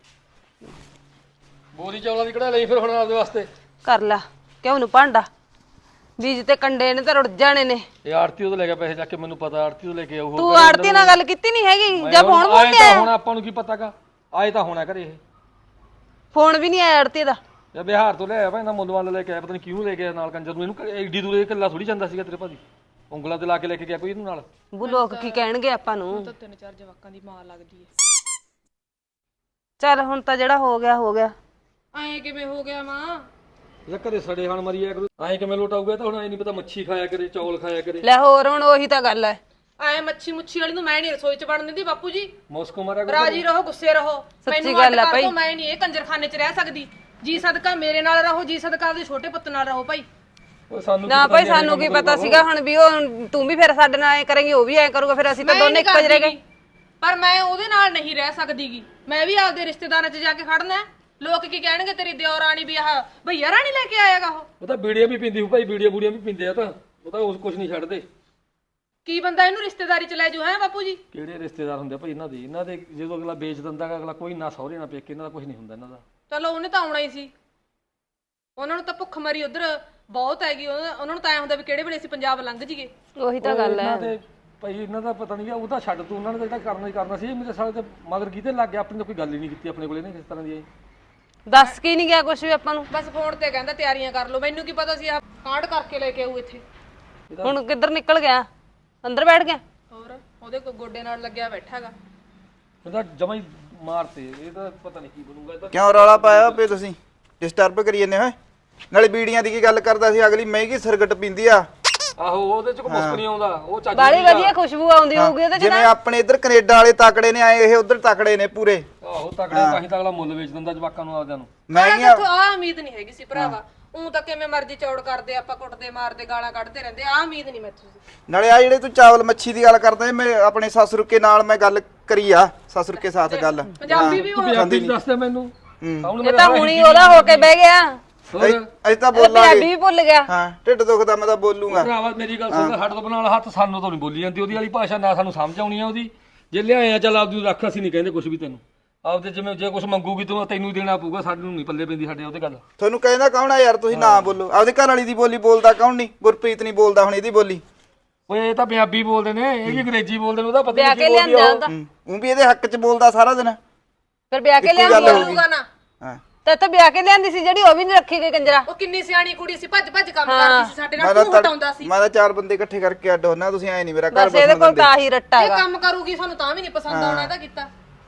ਬੋਰੀ ਚੌਲਾਂ ਦੀ ਕਢਾ ਲਈ ਫਿਰ ਹੁਣ ਆਪਦੇ ਵਾਸਤੇ
ਕਰ ਲਾ ਕਿਉਂ ਨੂੰ ਭਾਂਡਾ ਬੀਜ ਤੇ ਕੰਡੇ ਨੇ ਤਾਂ ਰੁੜ ਜਾਣੇ ਨੇ
ਇਹ ਆੜਤੀ ਉਹ ਤੋਂ ਲੈ ਗਿਆ ਪੈਸੇ ਚੱਕ ਕੇ ਮੈਨੂੰ ਪਤਾ ਆੜਤੀ ਤੋਂ ਲੈ ਕੇ ਆਊ
ਤੂੰ ਆੜਤੀ ਨਾਲ ਗੱਲ ਕੀਤੀ ਨਹੀਂ ਹੈਗੀ ਜਾਂ ਫੋਨ
ਆਏ
ਬੋਲ
ਤਾਂ ਹੁਣ ਆਪਾਂ ਨੂੰ ਕੀ ਪਤਾਗਾ ਆਏ ਤਾਂ ਹੋਣਾ ਘਰੇ ਇਹ
ਫੋਨ ਵੀ ਨਹੀਂ ਆਇਆ ਆੜਤੀ ਦਾ
ਜਾਂ ਬਿਹਾਰ ਤੋਂ ਲਿਆਇਆ ਭਾਈ ਨਾ ਮੁੱਲ ਵੱਲ ਲੈ ਕੇ ਆਇਆ ਪਤਾ ਨਹੀਂ ਕਿਉਂ ਲੈ ਕੇ ਆਇਆ ਨਾਲ ਕੰਜਰ ਨੂੰ ਇਹਨੂੰ ਐਡੀ ਦੂਰ ਇਹ ਇਕੱਲਾ ਥੋੜੀ ਜਾਂਦਾ ਸੀਗਾ ਤੇਰੇ ਭਾਜੀ ਉਂਗਲਾਂ ਤੇ ਲਾ ਕੇ ਲੈ ਕੇ ਗਿਆ ਕੋਈ ਇਹਨੂੰ ਨਾਲ
ਬੂ ਲੋਕ ਕੀ ਕਹਿਣਗੇ ਆਪਾਂ ਨੂੰ
3-4 ਜਵਾਕਾਂ ਦੀ ਮਾਂ ਲੱਗਦੀ ਏ
ਚੱਲ ਹੁਣ ਤਾਂ ਜਿਹੜਾ ਹੋ ਗਿਆ
ਐਂ ਕਿਵੇਂ ਹੋ ਗਿਆ ਮਾਂ
ਜਾਂ ਘਰੇ ਸੜੇ ਖਾਣ ਮਰੀਆ ਕਰੂ ਐਂ ਕਿਵੇਂ ਲੋਟਾਊਗਾ ਤਾਂ ਹੁਣ ਐ ਨਹੀਂ ਪਤਾ ਮੱਛੀ ਖਾਇਆ ਕਰੇ ਚੌਲ ਖਾਇਆ ਕਰੇ
ਲੈ ਹੋਰ ਹੁਣ ਉਹੀ ਤਾਂ ਗੱਲ ਐ
ਐ ਮੱਛੀ ਮੁੱਛੀ ਵਾਲੀ ਨੂੰ ਮੈਂ ਨਹੀਂ ਰਸੋਈ 'ਚ ਵੜਨ ਦਿੰਦੀ ਬਾਪੂ ਜੀ
ਮੌਸਕੋ ਮਾਰਿਆ ਕਰੋ
ਰਾਜੀ ਰਹੋ ਗੁੱਸੇ ਰਹੋ
ਸੱਚੀ ਗੱਲ ਆ ਭਾਈ।
ਮੈਂ ਨਹੀਂ ਇਹ ਕੰਜਰਖਾਨੇ 'ਚ ਰਹਿ ਸਕਦੀ ਜੀ ਸਦਕਾ ਮੇਰੇ ਨਾਲ ਰਹੋ ਜੀ ਸਦਕਾ ਆਪਦੇ ਛੋਟੇ ਪੁੱਤ ਨਾਲ ਰਹੋ ਭਾਈ
ਉਹ ਸਾਨੂੰ
ਨਾ ਭਾਈ ਸਾਨੂੰ ਕੀ ਪਤਾ ਸੀਗਾ ਹੁਣ ਵੀ ਉਹ ਤੂੰ ਵੀ ਫਿਰ ਸਾਡੇ ਨਾਲ ਐ ਕਰੇਂਗੀ ਉਹ ਵੀ ਐ ਕਰੂਗਾ ਫਿਰ ਅਸੀਂ ਤਾਂ
ਮੈਂ
ਦੋਨੇ
ਨਹੀਂ
ਇੱਕੋ ਜਿਹੇ ਰਹਿ ਗਏ
ਪਰ ਮੈਂ ਉਹਦੇ ਨਾਲ ਨਹੀਂ ਰਹਿ ਸਕਦੀਗੀ ਮੈਂ ਵੀ ਆਪਦੇ ਰਿਸ਼ਤੇਦਾਰਾਂ 'ਚ ਜਾ ਕੇ ਖੜਨਾ ਹੈ। ਲੋਕ ਕੀ ਕਹਿਣਗੇ ਤੇਰੀ ਦਿਓ ਰਾਣੀ ਵੀ ਆਹ ਭਈਆ ਰਾਣੀ ਲੈ ਕੇ ਆਏਗਾ
ਉਹ ਤਾਂ ਬੀੜੀਆਂ ਵੀ ਪੀਂਦੀ ਹੋ ਭਾਈ ਬੀੜੀਆਂ ਬੂੜੀਆਂ ਵੀ ਪੀਂਦੇ ਆ ਤਾਂ ਉਹ ਤਾਂ ਉਸ ਕੁਝ ਨਹੀਂ ਛੱਡਦੇ
ਕੀ ਬੰਦਾ ਇਹਨੂੰ ਰਿਸ਼ਤੇਦਾਰੀ 'ਚ ਲੈ ਜੂ ਹੈ ਬਾਪੂ ਜੀ
ਕਿਹੜੇ ਰਿਸ਼ਤੇਦਾਰ ਹੁੰਦੇ ਆ ਭਾਈ ਇਹਨਾਂ ਦੇ ਜਦੋਂ ਅਗਲਾ ਵੇਚ ਦਿੰਦਾ ਗਾ ਅਗਲਾ ਕੋਈ ਨਾ ਸਹੁਰੇ ਨਾ ਪੇਕੇ ਇਹਨਾਂ ਦਾ ਕੁਝ ਨਹੀਂ ਹੁੰਦਾ ਇਹਨਾਂ ਦਾ
ਚਲੋ ਉਹਨੇ ਤਾਂ ਆਉਣਾ ਹੀ ਸੀ ਉਹਨਾਂ ਨੂੰ ਤਾਂ ਭੁੱਖ ਮਰੀ ਉਧਰ ਬਹੁਤ ਹੈਗੀ ਉਹਨਾਂ ਨੂੰ ਤਾਂ ਐ ਹੁੰਦਾ ਵੀ ਕਿਹੜੇ ਵੇਲੇ ਅਸੀਂ ਪੰਜਾਬ ਲੰਘ ਜੀਏ
ਉਹੀ ਤਾਂ ਗੱਲ ਐ
ਇਹਨਾਂ ਦੇ ਭਾਈ ਇਹਨਾਂ ਦਾ ਪਤਾ ਨਹੀਂ ਉਹ ਤਾਂ ਛੱਡ ਤੂੰ ਉਹਨਾਂ ਨੇ ਜਿਹੜਾ ਕਰਨਾ ਹੀ ਕਰਨਾ ਸੀ ਮੇਰੇ ਸਾਲੇ ਤੇ ਮਗਰ ਕਿਤੇ ਲੱਗ ਗਿਆ ਆਪਣੀ ਤਾਂ ਕੋਈ ਗੱਲ ਹੀ ਨਹੀਂ ਕੀਤੀ ਆਪਣੇ ਕੋਲੇ ਨੇ ਕਿਸ ਤਰ੍ਹਾਂ ਦੀ ਆਈ
ਦੱਸ ਕੀ ਨਹੀਂ ਗਿਆ ਕੁਝ ਵੀ ਆਪਾਂ ਨੂੰ
ਬਸ ਫੋਨ ਤੇ ਕਹਿੰਦਾ ਤਿਆਰੀਆਂ ਕਰ ਲਓ ਮੈਨੂੰ ਕੀ ਪਤਾ ਸੀ ਆਹ ਕਾਂਡ ਕਰਕੇ ਲੈ ਕੇ ਆਊ ਇੱਥੇ
ਹੁਣ ਕਿੱਧਰ ਨਿਕਲ ਗਿਆ ਅੰਦਰ ਬੈਠ ਗਿਆ
ਹੋਰ ਉਹਦੇ ਕੋ ਗੋਡੇ ਨਾਲ ਲੱਗਿਆ ਬੈਠਾਗਾ
ਇਹਦਾ ਜਮਾ ਹੀ ਮਾਰਤੇ ਇਹ ਤਾਂ ਪਤਾ ਨਹੀਂ ਕੀ ਬਣੂਗਾ ਇਹ ਤਾਂ
ਕਿਉਂ ਰੌਲਾ ਪਾਇਆ ਪਏ ਤੁਸੀਂ ਡਿਸਟਰਬ ਕਰੀ ਜਾਂਦੇ ਹੋਏ ਨਾਲੇ ਬੀੜੀਆਂ ਦੀ ਕੀ ਗੱਲ ਕਰਦਾ ਸੀ ਅਗਲੀ ਮਹਿੰਗੀ ਸਿਰਗਟ ਪੀਂਦੀ ਆ
ਆਹੋ ਉਹਦੇ ਚ ਕੋਈ ਮੁਸਕ ਨਹੀਂ ਆਉਂਦਾ ਉਹ ਚੱਜ
ਬਾਲੀ ਵਧੀਆ ਖੁਸ਼ਬੂ ਆਉਂਦੀ ਹੋਊਗੀ ਉਹਦੇ ਚ
ਜਿਵੇਂ ਆਪਣੇ ਇੱਧਰ ਕੈਨੇਡਾ ਵਾਲੇ ਤਕੜੇ ਨੇ ਆਏ ਇਹ ਉੱਧਰ ਤਕੜੇ ਨੇ ਪੂਰੇ
ਆਹੋ ਤਗੜੇ ਤਾਂ ਹੀ ਤਾਂ ਅਗਲਾ ਮੁੱਲ ਵੇਚ ਦਿੰਦਾ ਜਵਾਕਾਂ ਨੂੰ ਆਪਦਿਆਂ ਨੂੰ
ਮਹਿੰਗੀਆਂ
ਆ ਉਮੀਦ ਨਹੀਂ ਹੈਗੀ ਸੀ ਭਰਾਵਾ ਉਹ ਤਾਂ ਕਿਵੇਂ ਮਰਜ਼ੀ ਚੌੜ ਕਰਦੇ ਆਪਾਂ ਕੁੱਟਦੇ ਮਾਰਦੇ ਗਾਲਾਂ ਕੱਢਦੇ ਰਹਿੰਦੇ ਆ ਉਮੀਦ ਨਹੀਂ ਮੈਥੋਂ ਸੀ
ਨਾਲੇ ਆ ਜਿਹੜੇ ਤੂੰ ਚਾਵਲ ਮੱਛੀ ਦੀ ਗੱਲ ਕਰਦਾ ਮੈਂ ਆਪਣੇ ਸਸੁਰ ਕੇ ਨਾਲ ਮੈਂ ਗੱਲ ਕਰੀ ਆ ਸਸੁਰ ਕੇ ਸਾਥ ਗੱਲ
ਪੰਜਾਬੀ ਵੀ
ਪੰਜਾਬੀ ਚ ਦੱਸਦਾ ਮੈਨੂੰ
ਇਹ ਤਾਂ ਹੁਣੀ ਉਹਦਾ ਹੋ ਕੇ ਬਹਿ ਗਿਆ
ਹੋਰ
ਅਸੀਂ ਤਾਂ
ਇਹ
ਬੋਲਾਂਗੇ
ਪੰਜਾਬੀ ਵੀ ਭੁੱਲ ਗਿਆ
ਹਾਂ ਢਿੱਡ ਦੁਖਦਾ ਮੈਂ ਤਾਂ ਬੋਲੂੰਗਾ
ਭਰਾਵਾ ਮੇਰੀ ਗੱਲ ਸੁਣ ਹੱਡ ਤੋਂ ਬਣਾ ਹੱਥ ਸਾਨੂੰ ਤਾਂ ਨਹੀਂ ਬੋਲੀ ਜਾਂਦੀ ਉਹਦੀ ਵਾਲੀ ਭਾਸ਼ਾ ਨਾ ਸਾਨੂੰ ਸਮਝ ਆਉਣੀ ਆ ਉਹਦੀ ਜੇ ਲਿਆਏ ਆ ਚੱਲ ਆਪਦੀ ਰੱਖ ਅਸੀਂ ਨਹੀਂ ਕਹਿੰਦੇ ਕੁਝ ਵੀ ਤੈਨੂੰ ਆਪਦੇ ਜਿਵੇਂ ਜੇ ਕੁਝ ਮੰਗੂਗੀ ਤੂੰ ਤੈਨੂੰ ਹੀ ਦੇਣਾ ਪਊਗਾ ਸਾਨੂੰ ਨਹੀਂ ਪੱਲੇ ਪੈਂਦੀ ਸਾਡੇ ਉਹਦੇ ਗੱਲ
ਤੁਹਾਨੂੰ ਕਹਿੰਦਾ ਕੌਣ ਆ ਯਾਰ ਤੁਸੀਂ ਨਾ ਬੋਲੋ ਆਪਦੇ ਘਰ ਵਾਲੀ ਦੀ ਬੋਲੀ ਬੋਲਦਾ ਕੌਣ ਨਹੀਂ ਗੁਰਪ੍ਰੀਤ ਨਹੀਂ ਬੋਲਦਾ ਹੁਣ ਇਹਦੀ ਬੋਲੀ
ਓਏ ਇਹ ਤਾਂ ਪੰਜਾਬੀ ਬੋਲਦੇ ਨੇ ਇਹ ਵੀ ਅੰਗਰੇਜ਼ੀ ਬੋਲਦੇ ਨੇ ਉਹਦਾ ਪਤਾ
ਵਿਆਹ
ਨਹੀਂ
ਕੇ
ਕੀ ਬੋਲਦੀ
ਲਿਆਂਦਾ
ਆ
ਉਹਦਾ
ਉਹ ਵੀ ਇਹਦੇ ਹੱਕ 'ਚ ਬੋਲਦਾ ਸਾਰਾ ਦਿਨ
ਫਿਰ ਵਿਆਹ ਕੇ
ਇੱਕੋ ਗੱਲ
ਲਿਆਂਦੀ
ਹੋਊਗੀ।
ਹੋਊਗਾ ਨਾ
ਹਾਂ
ਤੇ ਵਿਆਹ ਕੇ ਲਿਆਂਦੀ ਸੀ ਜਿਹੜੀ ਉਹ ਵੀ ਨਹੀਂ ਰੱਖੀ ਗਈ ਕੰਜਰਾ।
ਉਹ ਕਿੰਨੀ ਸਿਆਣੀ ਕੁੜੀ ਸੀ, ਭੱਜ ਭੱਜ ਕੰਮ ਕਰਦੀ ਸੀ ਸਾਡੇ
ਮੈਂ
ਨਾਲ,
ਤਾਂ
ਤੂੰ ਹਟਾਉਂਦਾ ਸੀ।
ਮੈਂ ਤਾਂ 4 ਬੰਦੇ ਇਕੱਠੇ ਕਰਕੇ ਅੱਡ ਹੋਣਾ, ਤੁਸੀਂ ਐ ਨਹੀਂ ਮੇਰਾ ਘਰ
ਬਸ ਇਹਦੇ
ਬਸਣ
ਕੋਲ
ਦਿੰਦੇ।
ਤਾਂ ਆਹੀ ਰੱਟਾ
ਇਹ
ਹੈਗਾ।
ਕੰਮ ਕਰੂਗੀ ਸਾਨੂੰ ਤਾਂ ਵੀ ਨਹੀਂ ਪਸੰਦ ਆਉਣਾ ਇਹਦਾ ਕੀਤਾ।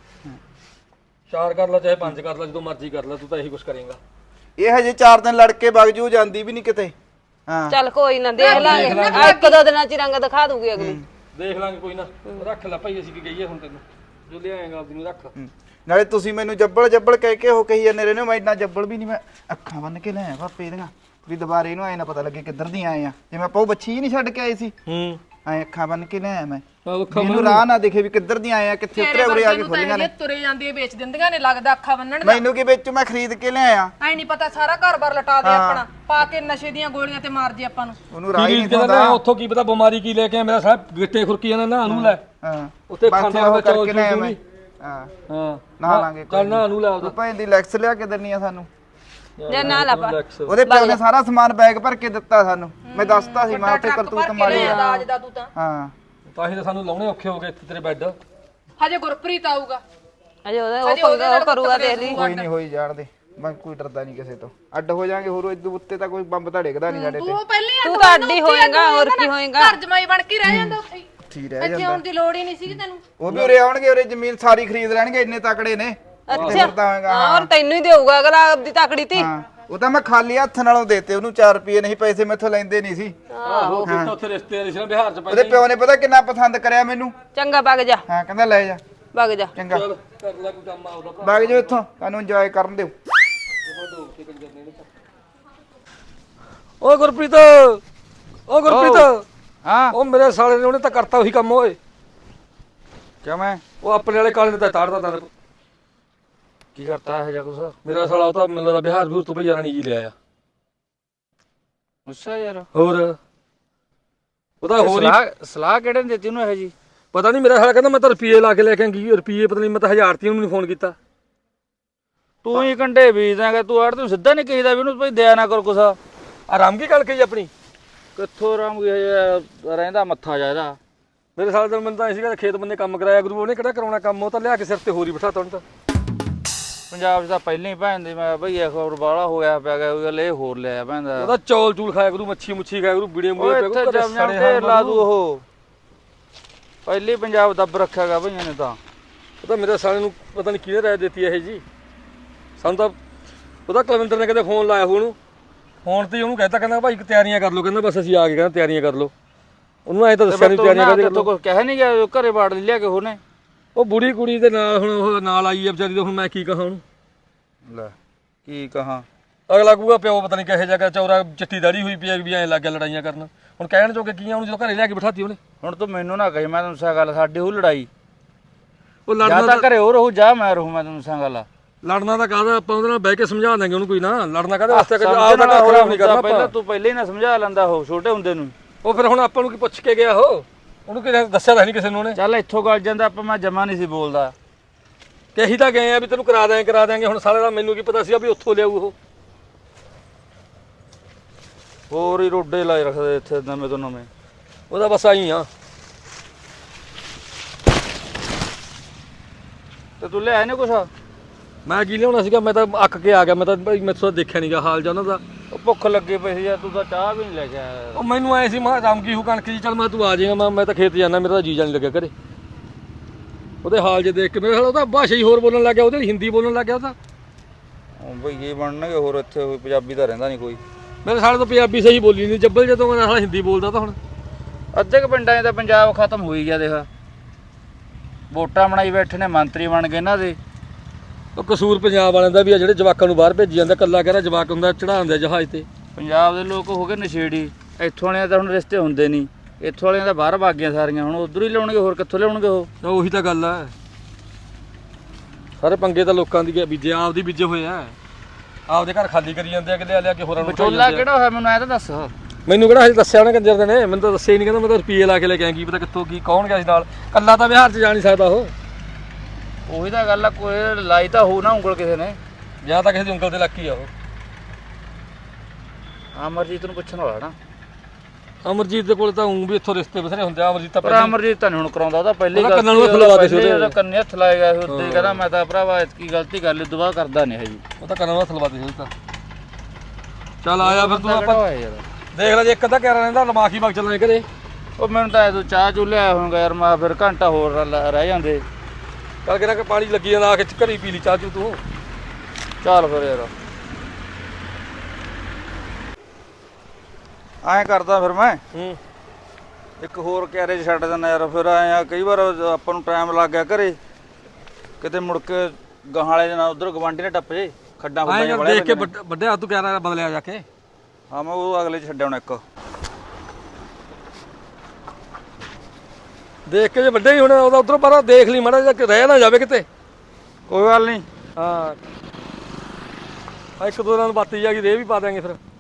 4 ਕਰ ਲੈ ਚਾਹੇ 5 ਕਰ ਲੈ, ਜਦੋਂ ਮਰਜ਼ੀ ਕਰ ਲੈ, ਤੂੰ ਤਾਂ ਇਹੀ ਕੁਝ ਕਰੇਂਗਾ।
ਇਹ ਹਜੇ 4 ਦਿਨ ਲੜ ਕੇ ਵਗ ਜੂ, ਜਾਂਦੀ ਵੀ ਨਹੀਂ ਕਿਤੇ। ਹਾਂ
ਚੱਲ ਕੋਈ ਨਾ ਦੇਖ ਲਾਂਗੇ, ਆ 1-2 ਦਿਨਾਂ ਚ ਹੀ ਰੰਗ ਦਿਖਾ ਦੂਗੀ ਅਗਲੀ।
ਦੇਖ ਲਾਂਗੇ ਕੋਈ ਨਾ, ਰੱਖ ਲੈ ਭਾਈ, ਅਸੀਂ ਕੀ ਕਹੀਏ ਹੁਣ ਤੈਨੂੰ, ਜੋ ਲਿਆਏਗਾ ਆਪਦੀ ਨੂੰ ਰੱਖ।
ਨਾਲੇ ਤੁਸੀਂ ਮੈਨੂੰ ਜੱਬਲ ਕਹਿ ਕੇ ਉਹ ਕਹੀ ਜਾਂਦੇ ਰਹੇ ਨੇ, ਮੈਂ ਇੰਨਾ ਜੱਬਲ ਵੀ ਨਹੀਂ, ਮੈਂ ਅੱਖਾਂ ਬੰਨ ਕੇ ਲਿਆਇਆ ਪਾਪੇ ਦੀਆਂ ਵੀ ਦੁਬਾਰੇ ਇਹਨੂੰ ਐ ਨਾ ਪਤਾ ਲੱਗੇ ਕਿੱਧਰ ਦੀ ਆਏ ਆ, ਜਿਵੇਂ ਆਪਾਂ ਉਹ ਬੱਚੀ ਨਹੀਂ ਛੱਡ ਕੇ ਆਏ ਸੀ ਐ ਅੱਖਾਂ ਬੰਨ ਕੇ ਲਿਆਇਆ ਮੈਂ, ਮੈਨੂੰ ਰਾਹ ਨਾ ਦਿਖੇ ਵੀ ਕਿੱਧਰ ਦੀ ਆਏ ਆ, ਕਿੱਥੇ ਉਤਰੇ ਉਰੇ ਆ ਕੇ ਖੁੱਲੀਆਂ ਨੇ।
ਤੁਰੇ ਜਾਂਦੀ ਹੈ ਵੇਚ ਦਿੰਦੀਆਂ ਨੇ, ਲੱਗਦਾ ਅੱਖਾਂ ਬੰਨਣ ਦਾ।
ਮੈਨੂੰ ਕੀ ਵਿੱਚ ਮੈਂ ਖਰੀਦ ਕੇ ਲਿਆਇਆ,
ਐ ਨਹੀਂ ਪਤਾ ਸਾਰਾ ਘਰ-ਬਾਰ ਲਟਾ ਦੇ ਆਪਣਾ, ਪਾ ਕੇ ਨਸ਼ੇ ਦੀਆਂ ਗੋਲੀਆਂ ਤੇ ਮਾਰ ਜੇ ਆਪਾਂ ਨੂੰ।
ਉਹਨੂੰ ਰਾਹ ਹੀ ਨਹੀਂ
ਕਹਿੰਦਾ
ਦਿੰਦਾ।
ਉੱਥੋਂ ਕੀ ਪਤਾ ਬਿਮਾਰੀ ਕੀ ਲੈ ਕੇ ਆ, ਮੇਰਾ ਸਾਹ ਗਿੱਟੇ ਖੁਰਕੀ ਜਾਂਦਾ ਨਾ ਨੂੰ ਲੈ
ਹਾਂ
ਉੱਤੇ
ਬਸ
ਖਾਣਾ
ਉਹ
ਦਾ ਚੌਲ
ਕਰਕੇ ਲਿਆਇਆ
ਚੂਲ
ਮੈਂ।
ਵੀ।
ਹਾਂ
ਹਾਂ
ਨਾ ਲਾਂਗੇ
ਚੱਲ ਨਾ ਨੂੰ ਲੈ ਉਹਦਾ
ਭਾਈ ਦੀ ਲੈਕਸ ਲਿਆ ਕੇ ਦੇਣੀ ਆ ਸਾਨੂੰ।
ਜੇ ਨਾ ਲਾ ਪਾ
ਉਹਦੇ ਪਿਓ ਨੇ ਸਾਰਾ ਸਮਾਨ ਬੈਗ ਭਰ ਕੇ ਦਿੱਤਾ ਸਾਨੂੰ, ਮੈਂ ਦੱਸਤਾ ਸੀ ਮੈਂ ਉੱਥੇ ਕਰਤੂਤ ਮਾਰੀ ਆ।
ਦਾਜ ਦਾ ਤੂੰ ਤਾਂ
ਹਾਂ
ਤਾਂ ਹੀ ਤਾਂ ਸਾਨੂੰ ਲਾਉਣੇ ਔਖੇ ਹੋ ਗਏ ਇੱਥੇ ਤੇਰੇ ਬੈੱਡ।
ਹਜੇ ਗੁਰਪ੍ਰੀਤ ਆਊਗਾ,
ਅਜੇ ਉਹ ਕਰੂਗਾ, ਦੇਖ ਲਈ।
ਕੋਈ ਨਹੀਂ ਹੋਈ ਜਾਣ ਦੇ, ਮੈਂ ਕੋਈ ਡਰਦਾ ਨਹੀਂ ਕਿਸੇ ਤੋਂ। ਅੱਡ ਹੋ ਜਾਾਂਗੇ, ਹੋਰ ਇਦੋਂ ਉੱਤੇ ਤਾਂ ਕੋਈ ਬੰਬ ਤਾਂ ਡਿੱਗਦਾ ਨਹੀਂ ਸਾਡੇ ਤੇ।
ਤੂੰ ਪਹਿਲੇ
ਤੂੰ ਤਾਂ ਅੱਡ ਹੀ ਹੋਏਗਾ, ਹੋਰ ਕੀ ਹੋਏਗਾ।
ਘਰ ਜਮਾਈ ਬਣ ਕੇ ਰਹਿ ਜਾਂਦਾ ਉੱਥੇ ਹੀ।
ਠੀਕ ਰਹਿ
ਇੱਥੇ
ਜਾਂਦਾ,
ਆਉਣ ਦੀ ਲੋੜ ਹੀ ਨਹੀਂ ਸੀ ਤੈਨੂੰ।
ਉਹ ਵੀ ਉਰੇ ਆਉਣਗੇ, ਉਰੇ ਜ਼ਮੀਨ ਸਾਰੀ ਖਰੀਦ ਲੈਣਗੇ, ਇੰਨੇ ਤਕੜੇ ਨੇ।
ਅੱਛਾ ਹਾਂ, ਔਰ ਤੈਨੂੰ ਹੀ ਦੇਊਗਾ ਅਗਲਾ ਆਪਦੀ ਤਕੜੀ ਤੀ।
ਹਾਂ ਉਹ ਤਾਂ ਮੈਂ ਖਾਲੀ ਹੱਥ ਨਾਲੋਂ ਦੇਤੇ ਉਹਨੂੰ, 4 ਰੁਪਏ ਨਹੀਂ, ਪੈਸੇ ਮੈਥੋਂ ਲੈਂਦੇ ਨਹੀਂ ਸੀ।
ਆਹੋ ਫਿਰ ਤਾਂ ਉੱਥੇ ਰਿਸ਼ਤੇਦਾਰੀ ਸੀ ਨਾ ਬਿਹਾਰ ਚ
ਉਹਦੇ
ਪਹਿਲੇ।
ਪਿਓ ਨੇ ਪਤਾ ਕਿੰਨਾ ਪਸੰਦ ਕਰਿਆ ਮੈਨੂੰ।
ਚੰਗਾ ਵਗ ਜਾ,
ਹਾਂ ਕਹਿੰਦਾ ਲੈ ਜਾ,
ਵਗ ਜਾ।
ਚੰਗਾ
ਚੱਲ ਕਰ ਲੈ ਕੋਈ ਕੰਮ ਆਉਦਾ ਭਰਾ।
ਵਗ ਜਾਓ ਇੱਥੋਂ, ਤੁਹਾਨੂੰ ਇੰਜੋਏ ਕਰਨ ਦਿਓ।
ਓ ਗੁਰਪ੍ਰੀਤ, ਓ ਗੁਰਪ੍ਰੀਤ,
ਹਾਂ
ਉਹ ਮੇਰੇ ਸਾਲੇ ਨੇ ਉਹਨੇ ਤਾਂ ਕਰਤਾ ਉਹੀ ਕੰਮ ਓਏ।
ਕਿਉਂ ਮੈਂ
ਉਹ ਆਪਣੇ ਵਾਲੇ ਕਾਲੇ ਨੇ ਤਾਂ ਤਾੜਦਾ ਤਾਂ
ਕੀ ਕਰਤਾ ਇਹ ਜਾ ਕੁਛ?
ਮੇਰਾ ਸਾਲਾ ਉਹ ਤਾਂ ਮੈਨੂੰ ਲੱਗਦਾ ਬਿਹਾਰ ਬੂਰ ਤੋਂ ਭਈਆ ਰਾਣੀ ਜੀ ਲਿਆ ਆ।
ਅੱਛਾ ਯਾਰ,
ਹੋਰ ਉਹਦਾ ਹੋਰ ਹੀ
ਸਲਾਹ ਕਿਹੜੇ ਨੇ ਦਿੱਤੀ ਉਹਨੂੰ ਇਹ ਜੀ?
ਪਤਾ ਨਹੀਂ, ਮੇਰਾ ਸਾਲਾ ਕਹਿੰਦਾ ਮੈਂ ਤਾਂ ਰੁਪਏ ਲਾ ਕੇ ਲੈ ਕੇ ਆਂਗੀ, ਰੁਪਏ ਪਤਾ ਨਹੀਂ, ਮੈਂ ਤਾਂ 1000 ਤੀ ਉਹਨੂੰ ਫੋਨ ਕੀਤਾ।
ਤੂੰ ਹੀ ਕੰਡੇ ਬੀਜਦਾਂਗਾ, ਤੂੰ ਆੜ ਤੂੰ ਸਿੱਧਾ ਨਹੀਂ ਕਹੀਦਾ ਵੀ ਉਹਨੂੰ ਭਾਈ ਦਿਆ ਨਾ ਕਰ ਕੁਛ।
ਆਰਾਮ ਕੀ ਗੱਲ ਕਹੀ ਆਪਣੀ।
ਕਿੱਥੋਂ ਰਾਮ ਰਹਿੰਦਾ ਮੱਥਾ ਜਾ ਇਹਦਾ।
ਮੇਰੇ ਸਾਲੇ ਦਾ ਮੈਨੂੰ ਤਾਂ ਐਂ ਸੀਗਾ ਖੇਤ ਬੰਦੇ ਕੰਮ ਕਰਾਇਆ ਗੁਰੂ, ਉਹਨੇ ਕਿਹੜਾ ਕਰਾਉਣਾ ਕੰਮ, ਉਹ ਤਾਂ ਲਿਆ ਕੇ ਸਿਰ ਤੇ ਹੋਰ ਹੀ ਬਿਠਾਤਾ ਉਹਨੂੰ ਤਾਂ।
ਪੰਜਾਬ 'ਚ ਤਾਂ ਪਹਿਲਾਂ ਹੀ ਭੈਣ ਦੀ ਮੈਂ ਭਈਆ ਖਬਰ ਬਾਹਲਾ ਹੋਇਆ ਪਿਆ ਗਿਆ, ਉਹ ਗੱਲ ਇਹ ਹੋਰ ਲਿਆ ਭੈਣ ਦਾ।
ਉਹਦਾ ਚੌਲ ਚੂਲ ਖਾਇਆ ਗੁਰੂ, ਮੱਛੀ ਮੁੱਛੀ ਖਾਇਆ ਗੁਰੂ, ਬੀੜੇ
ਉਹ
ਮੂੜੇ ਪੈ
ਇੱਥੇ
ਗੁਰੂ,
ਜਮ ਜਮ ਢੇਰ ਲਾ ਦੂ ਉਹ। ਪਹਿਲੀ ਪੰਜਾਬ ਦੱਬ ਰੱਖਿਆ ਗਾ ਭਈਆਂ ਨੇ ਤਾਂ।
ਉਹ ਤਾਂ ਮੇਰੇ ਸਾਲੇ ਨੂੰ ਪਤਾ ਨਹੀਂ ਕਿਹਨੇ ਰਾਇ ਦਿੱਤੀ ਇਹ ਜੀ, ਸਾਨੂੰ ਤਾਂ ਉਹਦਾ ਕੁਲਵਿੰਦਰ ਨੇ ਕਹਿੰਦੇ ਫੋਨ ਲਾਇਆ ਉਹਨੂੰ, ਫੋਨ ਤੇ ਉਹਨੂੰ ਕਹਿਤਾ, ਕਹਿੰਦਾ ਭਾਈ ਤਿਆਰੀਆਂ ਕਰ ਲਓ, ਕਹਿੰਦਾ ਬਸ ਅਸੀਂ ਆ ਗਏ, ਕਹਿੰਦਾ ਤਿਆਰੀਆਂ ਕਰ ਲਓ। ਉਹਨੂੰ ਐਂ ਤਾਂ ਦੱਸਿਆ ਨਹੀਂ ਤਿਆਰੀਆਂ ਕਰਦੇ
ਤੂੰ ਕੁਝ ਕਹਿ ਨਹੀਂ ਗਿਆ, ਘਰੇ ਬਾੜ ਲਿਆ ਕੇ ਉਹਨੇ।
ਉਹ ਬੁੜੀ ਕੁੜੀ ਦੇ ਨਾਲ ਹੁਣ ਉਹ ਨਾਲ ਆਈ ਆ ਵਿਚਾਰੀ, ਹੁਣ ਮੈਂ ਕੀ ਕਹਾਂ ਉਹਨੂੰ।
ਲੈ ਕੀ ਕਹਾਂ,
ਅਗਲਾ ਕਹੂਗਾ ਪਿਓ ਪਤਾ ਨਹੀਂ ਕਿਹੇ ਜਗ੍ਹਾ ਚੌਰਾ ਚਿੱਟੀ ਦਾੜੀ ਹੋਈ ਪਈ ਆ ਵੀ ਐਂ ਲੱਗ ਗਿਆ ਲੜਾਈਆਂ ਕਰਨ। ਹੁਣ ਕਹਿਣ ਜੋਗੇ ਕੀ ਆ ਉਹਨੂੰ, ਜਦੋਂ ਘਰੇ ਲਿਆ ਕੇ ਬਿਠਾਤੀ ਉਹਨੇ।
ਹੁਣ ਤੂੰ ਮੈਨੂੰ ਨਾ ਕਹੀ, ਮੈਂ ਤੈਨੂੰ ਸਾ ਗੱਲ, ਸਾਡੀ ਉਹ ਲੜਾਈ
ਉਹ
ਜਾਂ
ਲੜਨਾ
ਤਾਂ ਘਰੇ ਉਹ ਰਹੂ ਜਾਂ ਮੈਂ ਰਹੂ, ਮੈਂ ਤੈਨੂੰ ਸਾ ਗੱਲ।
ਲੜਨਾ ਤਾਂ ਕਾਹਦਾ, ਆਪਾਂ ਉਹਦੇ ਨਾਲ ਬਹਿ ਕੇ ਸਮਝਾ ਦਾਂਗੇ ਉਹਨੂੰ, ਕੋਈ ਨਾ ਲੜਨਾ ਕਾਹਦੇ ਵਾਸਤੇ, ਆਪ ਦਾ ਘਰ ਖਰਾਬ ਨਹੀਂ ਕਰਨਾ
ਪਹਿਲਾਂ
ਆਪਾਂ।
ਤੂੰ ਪਹਿਲੇ ਹੀ ਨਾ ਸਮਝਾ ਲੈਂਦਾ ਉਹ ਛੋਟੇ ਹੁੰਦੇ ਨੂੰ।
ਉਹ ਫਿਰ ਹੁਣ ਆਪਾਂ ਨੂੰ ਕੀ ਪੁੱਛ ਕੇ ਗਿਆ ਉਹ, ਉਹਨੂੰ ਕਿਸੇ ਦੱਸਿਆ ਤਾਂ ਨਹੀਂ ਕਿਸੇ ਨੂੰ ਉਹਨੇ।
ਚੱਲ ਇੱਥੋਂ ਗੱਲ ਜਾਂਦਾ, ਆਪਾਂ ਮੈਂ ਜਮਾ ਨਹੀਂ ਸੀ ਬੋਲਦਾ।
ਕਿ ਅਸੀਂ ਤਾਂ ਗਏ ਆ ਵੀ ਤੈਨੂੰ ਕਰਾ ਦਿਆਂਗੇ, ਹੁਣ ਸਾਲੇ ਦਾ ਮੈਨੂੰ ਕੀ ਪਤਾ ਸੀ ਵੀ ਉੱਥੋਂ ਲਿਆਊ ਉਹ।
ਹੋਰ ਹੀ ਰੋਡੇ ਲਾਏ ਰੱਖਦੇ ਇੱਥੇ ਨਵੇਂ ਤੋਂ ਨਵੇਂ।
ਉਹਦਾ ਬਸ ਆਈ ਆ।
ਤੇ ਤੂੰ ਲਿਆ ਨਹੀਂ ਕੁਛ?
ਮੈਂ ਕੀ ਲਿਆਉਣਾ ਸੀਗਾ, ਮੈਂ ਤਾਂ ਅੱਕ ਕੇ ਆ ਗਿਆ, ਮੈਂ ਤਾਂ ਭਾਈ ਮੈਥੋਂ ਦੇਖਿਆ ਨਹੀਂਗਾ ਹਾਲ ਜਾਂ ਉਹਨਾਂ ਦਾ।
ਉਹ ਭੁੱਖ ਲੱਗੀ ਪਈ ਸੀ ਯਾਰ, ਤੂੰ ਤਾਂ ਚਾਹ ਵੀ ਨਹੀਂ ਲੈ ਕੇ ਆਇਆ।
ਉਹ ਮੈਨੂੰ ਐ ਸੀ ਮੈਂ ਰਾਮ ਕੀ ਹੂ ਕਣਕ ਜੀ, ਚੱਲ ਮੈਂ ਤੂੰ ਆ ਜਾਏਗਾ, ਮੈਂ ਤਾਂ ਖੇਤ ਜਾਣਾ, ਮੇਰਾ ਤਾਂ ਜੀ ਜਾਣ ਲੱਗਿਆ ਘਰੇ। ਉਹਦੇ ਹਾਲ ਜੇ ਦੇਖ ਕੇ ਮੇਰੇ ਉਹਦਾ ਭਾਸ਼ਾ ਹੀ ਹੋਰ ਬੋਲਣ ਲੱਗ ਗਿਆ, ਉਹਦੇ ਹਿੰਦੀ ਬੋਲਣ ਲੱਗ ਗਿਆ ਉਹਦਾ।
ਬਈ ਕੀ ਬਣਨਗੇ ਹੋਰ ਇੱਥੇ, ਪੰਜਾਬੀ ਤਾਂ ਰਹਿੰਦਾ ਨਹੀਂ ਕੋਈ।
ਮੇਰੇ ਸਾਲੇ ਤੋਂ ਪੰਜਾਬੀ ਸਹੀ ਬੋਲੀ ਨਹੀਂ, ਜੱਬਲ ਜਦੋਂ ਮੈਂ ਸਾਲਾ ਹਿੰਦੀ ਬੋਲਦਾ ਤਾਂ ਹੁਣ।
ਅੱਧੇ ਕੁ ਪਿੰਡਾਂ 'ਚ ਤਾਂ ਪੰਜਾਬ ਖਤਮ ਹੋ ਹੀ ਗਿਆ ਦੇਖ, ਵੋਟਾਂ ਬਣਾਈ ਬੈਠੇ ਨੇ, ਮੰਤਰੀ ਬਣ ਗਏ ਇਹਨਾਂ ਦੇ।
ਉਹ ਕਸੂਰ ਪੰਜਾਬ ਵਾਲਿਆਂ ਦਾ ਵੀ ਆ, ਜਿਹੜੇ ਜਵਾਕਾਂ ਨੂੰ ਬਾਹਰ ਭੇਜੀ ਜਾਂਦਾ, ਕੱਲਾ ਕਹਿੰਦਾ ਜਵਾਕ ਹੁੰਦਾ ਚੜਾਉਂਦਾ ਜਹਾਜ਼ ਤੇ।
ਪੰਜਾਬ ਦੇ ਲੋਕ ਹੋ ਗਏ ਨਸ਼ੇੜੀ, ਇੱਥੋਂ ਵਾਲਿਆਂ ਤਾਂ ਹੁਣ ਰਿਸ਼ਤੇ ਹੁੰਦੇ ਨਹੀਂ, ਇੱਥੋਂ ਵਾਲਿਆਂ ਤਾਂ ਬਾਹਰ ਭੱਗ ਗਈਆਂ ਸਾਰੀਆਂ, ਹੁਣ ਉਧਰ ਹੀ ਲਿਆਉਣਗੇ, ਹੋਰ ਕਿੱਥੋਂ ਲਿਆਉਣਗੇ ਉਹ।
ਉਹੀ ਤਾਂ ਗੱਲ ਆ, ਸਾਰੇ ਪੰਗੇ ਤਾਂ ਲੋਕਾਂ ਦੀ ਬੀਜੇ, ਆਪਦੀ ਬੀਜੇ ਹੋਏ ਆ, ਆਪਦੇ ਘਰ ਖਾਲੀ ਕਰੀ ਜਾਂਦੇ ਆ ਕਿ ਲਿਆ ਕੇ ਹੋਰਾਂ ਨੂੰ ਖਾਈ
ਵਿਚੋਲਾ
ਜਾਂਦੇ ਆ।
ਕਿਹੜਾ ਹੋਇਆ ਮੈਨੂੰ ਐ ਤਾਂ ਦੱਸ।
ਮੈਨੂੰ ਕਿਹੜਾ ਹਜੇ ਦੱਸਿਆ ਉਹਨੇ ਕੰਜਰ ਦੇ ਨੇ, ਮੈਨੂੰ ਤਾਂ ਦੱਸਿਆ ਹੀ ਨਹੀਂ, ਕਹਿੰਦਾ ਮੈਂ ਤਾਂ ਰੁਪਈਏ ਲਾ ਕੇ ਲੈ ਕੇ ਆਇਆ, ਕੀ ਪਤਾ ਕਿੱਥੋਂ ਕੀ ਕੌਣ ਗਿਆ ਸੀ ਨਾਲ, ਕੱਲਾ ਤਾਂ ਬਿਹਾਰ 'ਚ ਜਾ ਨਹੀਂ ਸਕਦਾ ਉਹ।
ਉਹੀ ਤਾਂ ਗੱਲ ਆ, ਕੋਈ ਲਾਈ ਤਾਂ ਹੋਊ ਨਾ ਉਂਗਲ ਕਿਸੇ ਨੇ,
ਜਾਂ ਤਾਂ ਕਿਸੇ ਦੀ ਉਂਗਲ ਤੇ ਲੱਗੀ ਆ ਉਹ।
ਅਮਰਜੀਤ ਨੂੰ ਪੁੱਛਣ ਵਾਲਾ ਨਾ।
ਅਮਰਜੀਤ ਦੇ ਕੋਲ ਤਾਂ ਉਂ ਵੀ ਇੱਥੋਂ ਰਿਸ਼ਤੇ ਬਥੇਰੇ ਹੁੰਦੇ ਆ। ਅਮਰਜੀਤ ਤਾਂ
ਪਰ
ਪਹਿਲਾਂ
ਅਮਰਜੀਤ ਤਾਂ ਨੀ ਹੁਣ ਕਰਾਉਂਦਾ, ਉਹਦਾ ਪਹਿਲੀ
ਉਹਦਾ ਕੰਨਾਂ ਨੂੰ ਹੱਥ ਲਵਾ ਦੇ ਸੀ ਉਹਦੇ।
ਉਹਦਾ ਕੰਨੇ ਹੱਥ ਲਾਏਗਾ ਉੱਤੇ ਕਹਿੰਦਾ ਮੈਂ ਤਾਂ ਭਰਾਵਾ ਇਤਕੀ ਗਲਤੀ ਕਰ ਲਈ, ਦੁਬਾਰਾ ਕਰਦਾ ਨਹੀਂ ਹੈ ਜੀ।
ਉਹ ਤਾਂ ਕੰਨਾਂ ਨੂੰ ਹੱਥ ਲਵਾ ਦੇ ਸੀ ਤਾਂ। ਚੱਲ ਆਇਆ ਫਿਰ ਤੂੰ ਆਪਾਂ
ਕਿਹੜਾ ਹੋਇਆ ਯਾਰ।
ਦੇਖ ਲੈ ਜੇ ਇੱਕ ਅੱਧਾ ਕਹਿ ਰਹਿੰਦਾ ਲਮਾਖੀ ਵਗ ਚੱਲਾਂਗੇ ਘਰੇ।
ਉਹ ਮੈਨੂੰ ਤਾਂ ਤੂੰ ਚਾਹ ਚੂ ਲਿਆ ਹੋਊਗਾ ਯਾਰ, ਮੈਂ ਫਿਰ ਘੰਟਾ ਹੋਰ ਰਹਿ ਜਾਂਦੇ।
ਚੱਲ ਕਿਹੜਾ ਕਿ ਪਾਣੀ ਲੱਗੀ ਜਾਂਦਾ ਆ ਕੇ ਘਰੀ ਪੀ ਲਈ ਚਾਹ ਚੂ ਤੂੰ।
ਚੱਲ ਫਿਰ ਯਾਰ।
ਐਂ ਕਰਦਾ ਫਿਰ ਮੈਂ
ਹੂੰ
ਇੱਕ ਹੋਰ ਕੈਰੇਜ ਛੱਡ ਦਿੰਦਾ ਯਾਰ। ਫਿਰ ਐਂ ਆ ਕਈ ਵਾਰ ਆਪਾਂ ਨੂੰ ਟਾਈਮ ਲੱਗ ਗਿਆ ਘਰੇ, ਕਿਤੇ ਮੁੜ ਕੇ ਗਾਹਾਂ ਵਾਲੇ ਦੇ ਨਾਲ ਉਧਰ ਗਵਾਂਢੀ ਨੇ ਟੱਪ ਜੇ ਖੱਡਾਂ
ਆਏ
ਖੁੱਡਾਂ
ਦੇਖ ਕੇ ਵੱਡੇ ਹੱਥ ਤੂੰ ਕਹਿ ਰਿਹਾ ਬਦਲਿਆ ਜਾ ਕੇ।
ਹਾਂ ਮੈਂ ਉਹ ਅਗਲੇ 'ਚ ਛੱਡਿਆ ਹੁਣ ਇੱਕ।
ਦੇਖ ਕੇ ਜੇ ਵੱਡੇ ਹੀ ਹੋਣਾ ਉਹਦਾ ਉਧਰੋਂ ਬਾਹਰ ਦੇਖ ਲਈ ਮਾੜਾ ਜਿਹਾ ਰਹਿ ਨਾ ਜਾਵੇ ਕਿਤੇ।
ਕੋਈ ਗੱਲ ਨਹੀਂ।
ਹਾਂ ਇੱਕ ਦੋ ਦਿਨਾਂ ਨੂੰ ਬਾਤੀ ਜਾ ਕੇ ਰੇ ਵੀ ਪਾ ਦਿਆਂਗੇ ਫਿਰ।